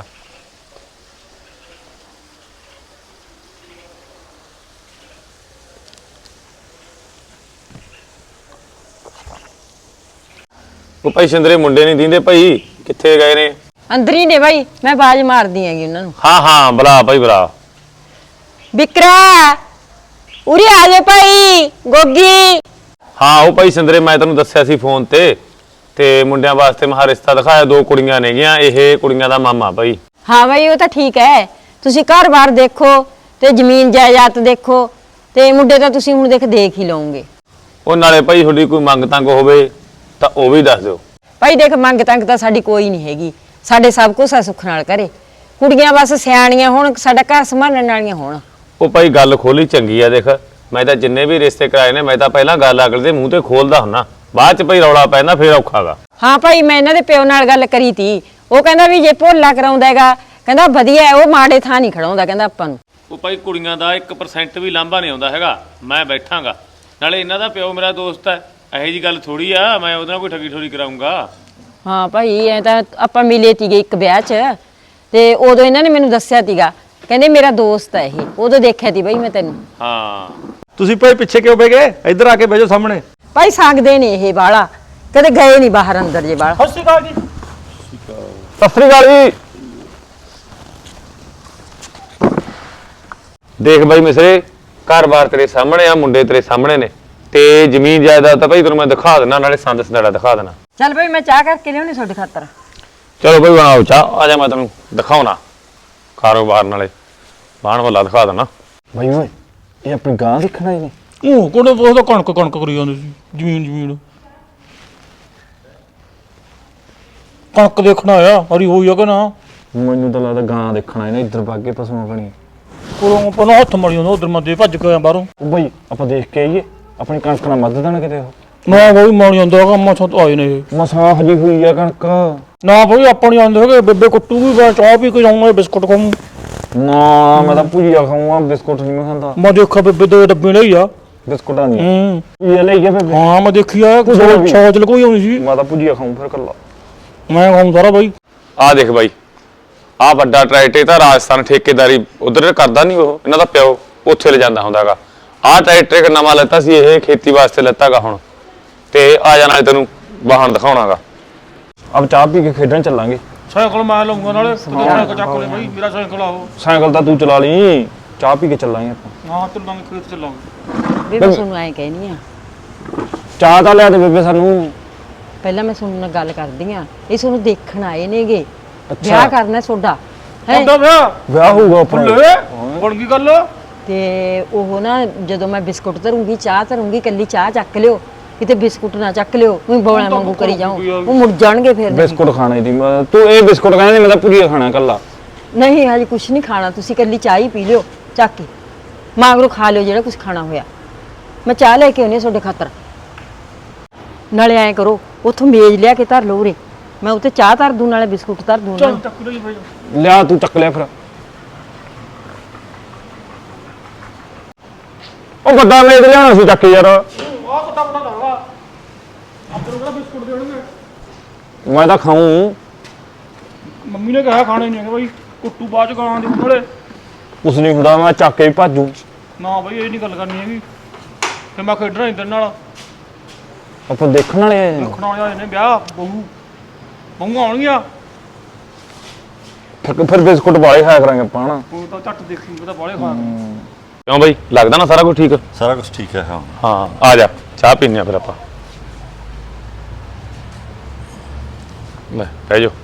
Speaker 1: ਉਹ ਭਾਈ ਸਿੰਦਰੇ ਮੁੰਡੇ ਨਹੀਂ ਦਿੰਦੇ ਭਾਈ, ਕਿੱਥੇ ਗਏ ਨੇ?
Speaker 6: ਅੰਦਰ ਹੀ ਨੇ ਬਾਈ, ਮੈਂ ਬਾਜ ਮਾਰਦੀ ਹੈਗੀ ਉਹਨਾਂ ਨੂੰ।
Speaker 1: ਹਾਂ ਬੁਲਾ ਭਾਈ ਬੁਲਾ।
Speaker 6: ਵਿਕਰਾ ਉਰੇ ਆ ਜਾ ਭਾਈ, ਗੋਗੀ।
Speaker 1: ਹਾਂ ਉਹ ਭਾਈ ਸਿੰਦਰੇ ਮੈਂ ਤੈਨੂੰ ਦੱਸਿਆ ਸੀ ਫੋਨ ਤੇ ਮੁੰਡਿਆਂ ਵਾਸਤੇ ਮਹਾ ਰਿਸ਼ਤਾ ਦਿਖਾਇਆ, 2 ਕੁੜੀਆਂ ਨੇਗੀਆਂ, ਇਹ ਕੁੜੀਆਂ ਦਾ ਮਾਮਾ ਭਾਈ।
Speaker 6: ਹਾਂ ਬਾਈ ਉਹ ਤਾਂ ਠੀਕ ਹੈ, ਤੁਸੀਂ ਘਰ-ਬਾਰ ਦੇਖੋ ਤੇ ਜ਼ਮੀਨ ਜਾਇਦਾਦ ਦੇਖੋ, ਤੇ ਮੁੰਡੇ ਤਾਂ ਤੁਸੀਂ ਹੁਣ ਦੇਖ ਹੀ ਲਓਗੇ।
Speaker 1: ਉਹ ਨਾਲੇ ਭਾਈ ਤੁਹਾਡੀ ਕੋਈ ਮੰਗ ਤੰਗ ਹੋਵੇ ਤਾਂ ਉਹ ਵੀ ਦੱਸ ਦਿਓ
Speaker 6: ਭਾਈ। ਦੇਖ ਮੰਗ ਤੰਗ ਤਾਂ ਸਾਡੀ ਕੋਈ ਨਹੀਂ ਹੈਗੀ, ਸਾਡੇ ਸਭ ਕੁਝ ਆ ਸੁੱਖ ਨਾਲ ਘਰੇ, ਕੁੜੀਆਂ ਬਸ ਸਿਆਣੀਆਂ ਹੋਣ, ਸਾਡਾ ਘਰ ਸੰਭਾਲਣ ਵਾਲੀਆਂ ਹੋਣ।
Speaker 1: ਉਹ ਭਾਈ ਗੱਲ ਖੋਲੀ ਚੰਗੀ ਆ। ਦੇਖ ਮੈਂ ਤਾਂ ਜਿੰਨੇ ਵੀ ਰਿਸ਼ਤੇ ਕਰਾਏ ਨੇ, ਮੈਂ ਤਾਂ ਪਹਿਲਾਂ ਗੱਲ ਅਗਲੇ ਦੇ ਮੂੰਹ ਤੇ ਖੋਲਦਾ ਹੁੰਨਾ, ਬਾਅਦ ਚ ਭਾਈ ਰੌਲਾ ਪੈਂਦਾ ਫੇਰ ਔਖਾਗਾ।
Speaker 6: ਹਾਂ ਭਾਈ ਮੈਂ ਇਹਨਾਂ ਦੇ ਪਿਓ ਨਾਲ ਗੱਲ ਕਰੀ ਤੀ, ਉਹ ਕਹਿੰਦਾ ਵੀ ਜੇ ਭੋਲਾ ਕਰਾਉਂਦਾ ਹੈਗਾ, ਕਹਿੰਦਾ ਵਧੀਆ, ਉਹ ਮਾੜੇ ਥਾਂ ਨਹੀਂ ਖੜਾਉਂਦਾ ਕਹਿੰਦਾ ਆਪਾਂ ਨੂੰ।
Speaker 1: ਉਹ ਭਾਈ ਕੁੜੀਆਂ ਦਾ 1% ਵੀ ਲਾਂਭਾ ਨਹੀਂ ਆਉਂਦਾ ਹੈਗਾ, ਮੈਂ ਬੈਠਾਂਗਾ, ਨਾਲੇ ਇਹਨਾਂ ਦਾ ਪਿਓ ਮੇਰਾ ਦੋਸਤ ਹੈ, ਇਹੋ ਜੀ ਗੱਲ ਥੋੜੀ ਆ ਮੈਂ ਉਹਦੇ ਨਾਲ ਕੋਈ ਠੱਗੀ ਠੋਰੀ ਕਰਾਉਂਗਾ।
Speaker 6: ਹਾਂ ਭਾਈ ਐ ਤਾਂ ਆਪਾਂ ਮਿਲੇ ਤੀਗੇ ਇੱਕ ਵਿਆਹ 'ਚ, ਤੇ ਉਦੋਂ ਇਹਨਾਂ ਨੇ ਮੈਨੂੰ ਦੱਸਿਆ ਤੀਗਾ, ਕਹਿੰਦੇ ਮੇਰਾ ਦੋਸਤ ਹੈ ਇਹ, ਉਦੋਂ ਦੇਖਿਆ ਤੀ ਭਾਈ ਮੈਂ ਤੈਨੂੰ।
Speaker 1: ਹਾਂ
Speaker 2: ਤੁਸੀਂ ਭਾਈ ਪਿੱਛੇ ਕਿਉਂ ਬਹਿ ਗਏ? ਇੱਧਰ ਆ ਕੇ ਬਹਿ ਜਾਓ ਸਾਹਮਣੇ।
Speaker 6: ਭਾਈ ਸੰਗਦੇ ਨੇ ਇਹ ਬਾਲਾ, ਕਦੇ ਗਏ ਨਹੀਂ ਬਾਹਰ ਅੰਦਰ ਜੇ ਬਾਲਾ।
Speaker 2: ਸਤਿ ਸ਼੍ਰੀ ਅਕਾਲ ਜੀ।
Speaker 1: ਸਤਿ ਸ੍ਰੀ ਅਕਾਲ ਜੀ। ਦੇਖ ਬਾਈ ਮਿਸਰੇ, ਘਰ-ਬਾਰ ਤੇਰੇ ਸਾਹਮਣੇ ਆ, ਮੁੰਡੇ ਤੇਰੇ ਸਾਹਮਣੇ ਨੇ, ਤੇ ਜ਼ਮੀਨ ਜਾਇਦਾਦ ਤਾਂ ਭਾਈ ਤੈਨੂੰ ਮੈਂ ਦਿਖਾ ਦੇਣਾ, ਨਾਲੇ ਸੰਦ ਸੰਦੜਾ ਦਿਖਾ ਦੇਣਾ।
Speaker 6: ਚੱਲ ਭਾਈ ਮੈਂ ਚਾਹ ਕਰਕੇ ਲਿਆਉਣੀ ਤੁਹਾਡੇ ਖਾਤਰ।
Speaker 1: ਚਲੋ ਭਾਈ ਬਣਾਓ ਚਾਹ, ਆ ਜਾ ਮੈਂ ਤੈਨੂੰ ਦਿਖਾਉਣਾ ਕਾਰੋਬਾਰ, ਨਾਲੇ ਬਾਣ ਵਾਲਾ ਦਿਖਾ ਦੇਣਾ।
Speaker 2: ਭਾਈ ਓਏ ਇਹ ਆਪਣੀ ਗਾਂ ਦੇਖਣਾ ਹੀ ਨਹੀਂ। ਉਹ ਕੋਣ ਉਹ ਕਣਕ ਕਰੀ ਜਾਂਦੇ ਸੀ, ਜ਼ਮੀਨ ਕਣਕ ਦੇਖਣਾ ਆ, ਹਰੀ ਹੋਈ ਆ ਕਿ ਨਾ?
Speaker 8: ਮੈਨੂੰ ਤਾਂ ਲੱਗਦਾ ਗਾਂ ਦੇਖਣਾ ਇਹਨੇ ਇੱਧਰ ਭਾਗੇ ਪਸ਼ੂਆਂ ਬਣੀ।
Speaker 2: ਕੋਲੋਂ ਪਹਿਲਾਂ ਹੱਥ ਮੜੀ ਜਾਂਦਾ, ਉਧਰ ਮੈਂ ਦੇ ਭੱਜ ਕੇ ਆਇਆ ਬਾਹਰੋਂ।
Speaker 8: ਉਹ ਬਈ ਆਪਾਂ ਦੇਖ ਕੇ ਆਈਏ, ਆਪਣੀ ਕਣਕ ਨਾਲ ਮੱਧ ਦੇਣ ਕਿਤੇ ਉਹ।
Speaker 2: ਨਾ ਬਈ ਮਾਣੀ ਜਾਂਦਾ ਹੈਗਾ, ਮਸਾਂ ਤੋਂ ਆਏ ਨੇ ਇਹ।
Speaker 8: ਮਸਾਂ ਹਜੀ ਹੋਈ ਆ ਕਣਕ।
Speaker 2: ਨਾ ਬਈ ਆਪਾਂ ਨਹੀਂ ਆਉਂਦੇ ਹੈਗੇ, ਬੇਬੇ ਕੁੱਟੂਗੀ, ਮੈਂ ਚਾਹ ਪੀ ਕੇ ਜਾਊਂਗਾ, ਬਿਸਕੁਟ ਖਾਊਂ।
Speaker 8: ਨਾ ਮੈਂ ਤਾਂ ਭੁਜੀਆ ਖਾਊਂਗਾ, ਬਿਸਕੁਟ ਨਹੀਂ ਮੈਂ ਖਾਂਦਾ।
Speaker 2: ਮੈਂ ਦੇਖਿਆ ਬੇਬੇ ਦੇ ਡੱਬੇ ਲਈ ਆ
Speaker 8: ਬਿਸਕੁਟਾਂ ਦੀ
Speaker 2: ਹੂੰ।
Speaker 8: ਇਹ ਲਈ ਗਿਆ ਬੇਬੇ।
Speaker 2: ਹਾਂ ਮੈਂ ਦੇਖੀ ਆ, ਸੌਚ ਲਗੋਈ ਆਉਣੀ ਸੀ।
Speaker 8: ਮੈਂ ਤਾਂ ਭੁਜੀਆ ਖਾਊਂ ਫਿਰ ਕੱਲਾ।
Speaker 2: ਮੈਂ ਖਾਊਂ ਸਾਰਾ ਬਾਈ।
Speaker 1: ਆ ਦੇਖ ਬਾਈ, ਆ ਵੱਡਾ ਟਰੈਕਟਰ ਤਾਂ ਰਾਜਸਥਾਨ ਠੇਕੇਦਾਰੀ ਉਧਰ ਕਰਦਾ ਨਹੀਂ, ਉਹ ਇਹਨਾਂ ਦਾ ਪਿਓ ਉੱਥੇ ਲੈ ਜਾਂਦਾ ਹੁੰਦਾਗਾ। ਆਹ ਟਰੈਕਟਰ ਇੱਕ ਨਵਾਂ ਲੈਤਾ ਸੀ, ਇਹ ਖੇਤੀ ਵਾਸਤੇ ਲੈਤਾਗਾ ਹੁਣ, ਤੇ ਆ ਜਾਣਾ ਤੈਨੂੰ ਵਾਹਣ ਦਿਖਾਉਣਾਗਾ।
Speaker 8: ਆਪ ਚਾਹ ਪੀ ਕੇ ਖੇਡਣ ਚੱਲਾਂਗੇ।
Speaker 2: ਸਾਈਕਲ ਮੈਂ ਲਊਂਗਾ, ਨਾਲੇ ਸਾਈਕਲ ਚੱਕ ਲੈ ਬਾਈ, ਮੇਰਾ ਸਾਈਕਲ ਆ ਉਹ।
Speaker 8: ਸਾਈਕਲ ਤਾਂ ਤੂੰ ਚਲਾ ਲਈ, ਚਾਹ ਪੀ ਕੇ ਚੱਲਾਂਗੇ ਆਪਾਂ।
Speaker 2: ਹਾਂ ਚੱਲਾਂਗੇ, ਖੇਤ ਚੱਲਾਂਗੇ।
Speaker 6: ਬੇਬੇ ਤੁਹਾਨੂੰ ਐਂ ਕਹਿਨੀ ਆ,
Speaker 8: ਚਾਹ ਤਾਂ ਲਿਆ ਦੇ ਬੇਬੇ ਸਾਨੂੰ।
Speaker 6: ਪਹਿਲਾਂ ਮੈਂ ਤੁਹਾਨੂੰ ਨਾਲ ਗੱਲ ਕਰਦੀ ਆ, ਇਹ ਤੁਹਾਨੂੰ ਦੇਖਣ ਆਏ ਨੇਗੇ, ਵਿਆਹ ਕਰਨਾ ਤੁਹਾਡਾ ਹੈ।
Speaker 2: ਹੁੰਦਾ ਵਿਆਹ
Speaker 8: ਵਿਆਹ ਹੋਊਗਾ ਆਪਣਾ।
Speaker 2: ਲੈ ਬਣ ਗਈ ਗੱਲ।
Speaker 6: ਤੇ ਉਹ ਨਾ ਜਦੋਂ ਮੈਂ ਬਿਸਕੁਟ ਧਰੂੰਗੀ, ਚਾਹ ਧਰੂੰਗੀ, ਕੱਲੀ ਚਾਹ ਚੱਕ ਲਿਓ, ਕਿਤੇ ਬਿਸਕੁਟ ਨਾ ਚੱਕ ਲਿਓ, ਉਹ ਬੋਲਾਂ ਵਾਂਗੂ ਕਰੀ ਜਾਓ, ਉਹ ਮੁੜ ਜਾਣਗੇ ਫਿਰ।
Speaker 8: ਬਿਸਕੁਟ ਖਾਣੇ ਦੀ ਤੂੰ ਇਹ ਬਿਸਕੁਟ ਕਹਿੰਦੀ, ਮੈਂ ਤਾਂ ਭੁਜੀਆ ਖਾਣਾ ਕੱਲਾ।
Speaker 6: ਨਹੀਂ ਹਜੇ ਕੁਛ ਨਹੀਂ ਖਾਣਾ, ਤੁਸੀਂ ਕੱਲੀ ਚਾਹ ਹੀ ਪੀ ਲਿਓ ਚੱਕ ਕੇ, ਮਾਗਰੋ ਖਾ ਲਿਓ ਜਿਹੜਾ ਕੁਛ ਖਾਣਾ ਹੋਇਆ। ਮੈਂ ਚਾਹ ਲੈ ਕੇ ਆਉਣੀ ਤੁਹਾਡੇ ਖਾਤਰ। ਨਾਲੇ ਐਂ ਕਰੋ, ਉੱਥੋਂ ਮੇਜ਼ ਲਿਆ ਕੇ ਧਰ ਲਓ ਉਰੇ, ਮੈਂ ਉੱਤੇ ਚਾਹ ਧਰ ਦੂੰ, ਨਾਲੇ ਬਿਸਕੁਟ ਧਰ ਦੂੰ।
Speaker 8: ਲਿਆ ਤੂੰ ਚੱਕ ਲਿਆ ਫਿਰ। ਉਹ ਵੱਡਾ ਮੇਜ਼ ਲਿਆਉਣਾ ਸੀ ਚੱਕ ਯਾਰ। ਮੈਂ ਤਾਂ ਖਾਊਂ।
Speaker 2: ਮੰਮੀ ਨੇ ਕਿਹਾ ਖਾਣੇ ਨਹੀਂ ਹੈਗੇ ਬਾਈ, ਕੁੱਟੂ ਬਾਅਦ ਚ ਗਾਲਾਂ ਦੇ ਕੋਲੇ।
Speaker 8: ਕੁਛ ਨਹੀਂ ਹੁੰਦਾ, ਮੈਂ ਚੱਕ ਕੇ ਹੀ ਭਾਜੂ।
Speaker 2: ਨਾ ਬਾਈ ਇਹ ਨਹੀਂ ਗੱਲ ਕਰਨੀ ਹੈਗੀ, ਫਿਰ ਮੈਂ ਖੇਡਣਾ ਨਹੀਂ ਤੇਰੇ ਨਾਲ।
Speaker 8: ਆਪਾਂ ਦੇਖਣ ਵਾਲੇ ਆਏ ਨੇ।
Speaker 2: ਦੇਖਣ ਵਾਲੇ ਆਏ ਨੇ, ਵਿਆਹ ਬਹੂ ਆਉਣਗੀਆਂ।
Speaker 8: ਫਿਰ ਬਿਸਕੁਟ ਵਾਲੇ ਖਾਇਆ ਕਰਾਂਗੇ ਆਪਾਂ ਹਨਾ।
Speaker 2: ਉਹ ਤਾਂ ਝੱਟ ਦੇਖੀ, ਪਤਾ ਬਾਲੇ ਖਾ
Speaker 1: ਕਿਉਂ ਬਾਈ, ਲੱਗਦਾ ਨਾ ਸਾਰਾ ਕੁਝ ਠੀਕ?
Speaker 7: ਸਾਰਾ ਕੁਝ ਠੀਕ ਹੈ। ਹਾਂ
Speaker 1: ਹਾਂ ਆ ਜਾ, ਚਾਹ ਪੀਨੇ ਆ ਫਿਰ ਆਪਾਂ। ਲੈ ਬਹਿ ਜਾਓ।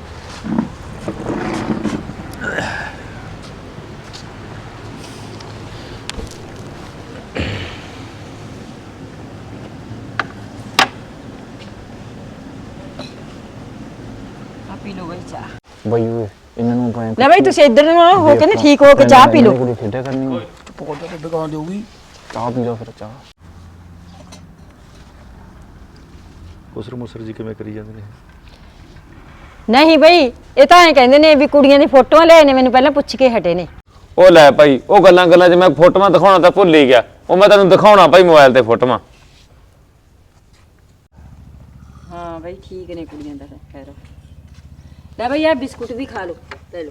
Speaker 6: ਆ ਪੀ ਲਓ ਬਈ ਚਾਹ।
Speaker 8: ਬਈ ਓਏ ਇਹਨਾਂ ਨੂੰ ਆਪਾਂ
Speaker 6: ਲੈ ਬਈ ਤੁਸੀਂ ਇੱਧਰ ਨੂੰ ਹੋ ਕੇ ਨਾ ਠੀਕ ਹੋ ਕੇ ਚਾਹ ਪੀ ਲਓ।
Speaker 8: ਕੁੜੀ ਖੇਡਿਆ ਕਰਨੀ।
Speaker 2: ਪਕੌੜਾ ਤੇ ਦੁਕਾਨ ਦੇਊਗੀ।
Speaker 8: ਚਾਹ ਪੀ ਲਓ ਫਿਰ ਚਾਹ।
Speaker 7: ਉਸਰ ਮੁਸਰ ਜੀ ਕਿਵੇਂ ਕਰੀ ਜਾਂਦੇ ਨੇ?
Speaker 6: ਨਹੀਂ ਬਈ, ਇਹ ਤਾਂ ਐਂ ਕਹਿੰਦੇ ਨੇ ਵੀ ਕੁੜੀਆਂ ਦੀ ਫੋਟੋਆਂ ਲੈ ਨੇ, ਮੈਨੂੰ ਪਹਿਲਾਂ ਪੁੱਛ ਕੇ ਹਟੇ ਨੇ।
Speaker 1: ਉਹ ਲੈ ਭਾਈ, ਉਹ ਗੱਲਾਂ 'ਚ ਮੈਂ ਫੋਟੋਆਂ ਦਿਖਾਉਣਾ ਤਾਂ ਭੁੱਲ ਹੀ ਗਿਆ, ਉਹ ਮੈਂ ਤੈਨੂੰ ਦਿਖਾਉਣਾ ਭਾਈ ਮੋਬਾਈਲ ਤੇ ਫੋਟੋਆਂ।
Speaker 6: ਹਾਂ ਬਈ ਠੀਕ ਨੇ ਕੁੜੀਆਂ ਦਾ ਖੈਰ। ਲੈ ਬਈ ਆ ਬਿਸਕੁਟ ਵੀ ਖਾ ਲਓ, ਲੈ ਲਓ।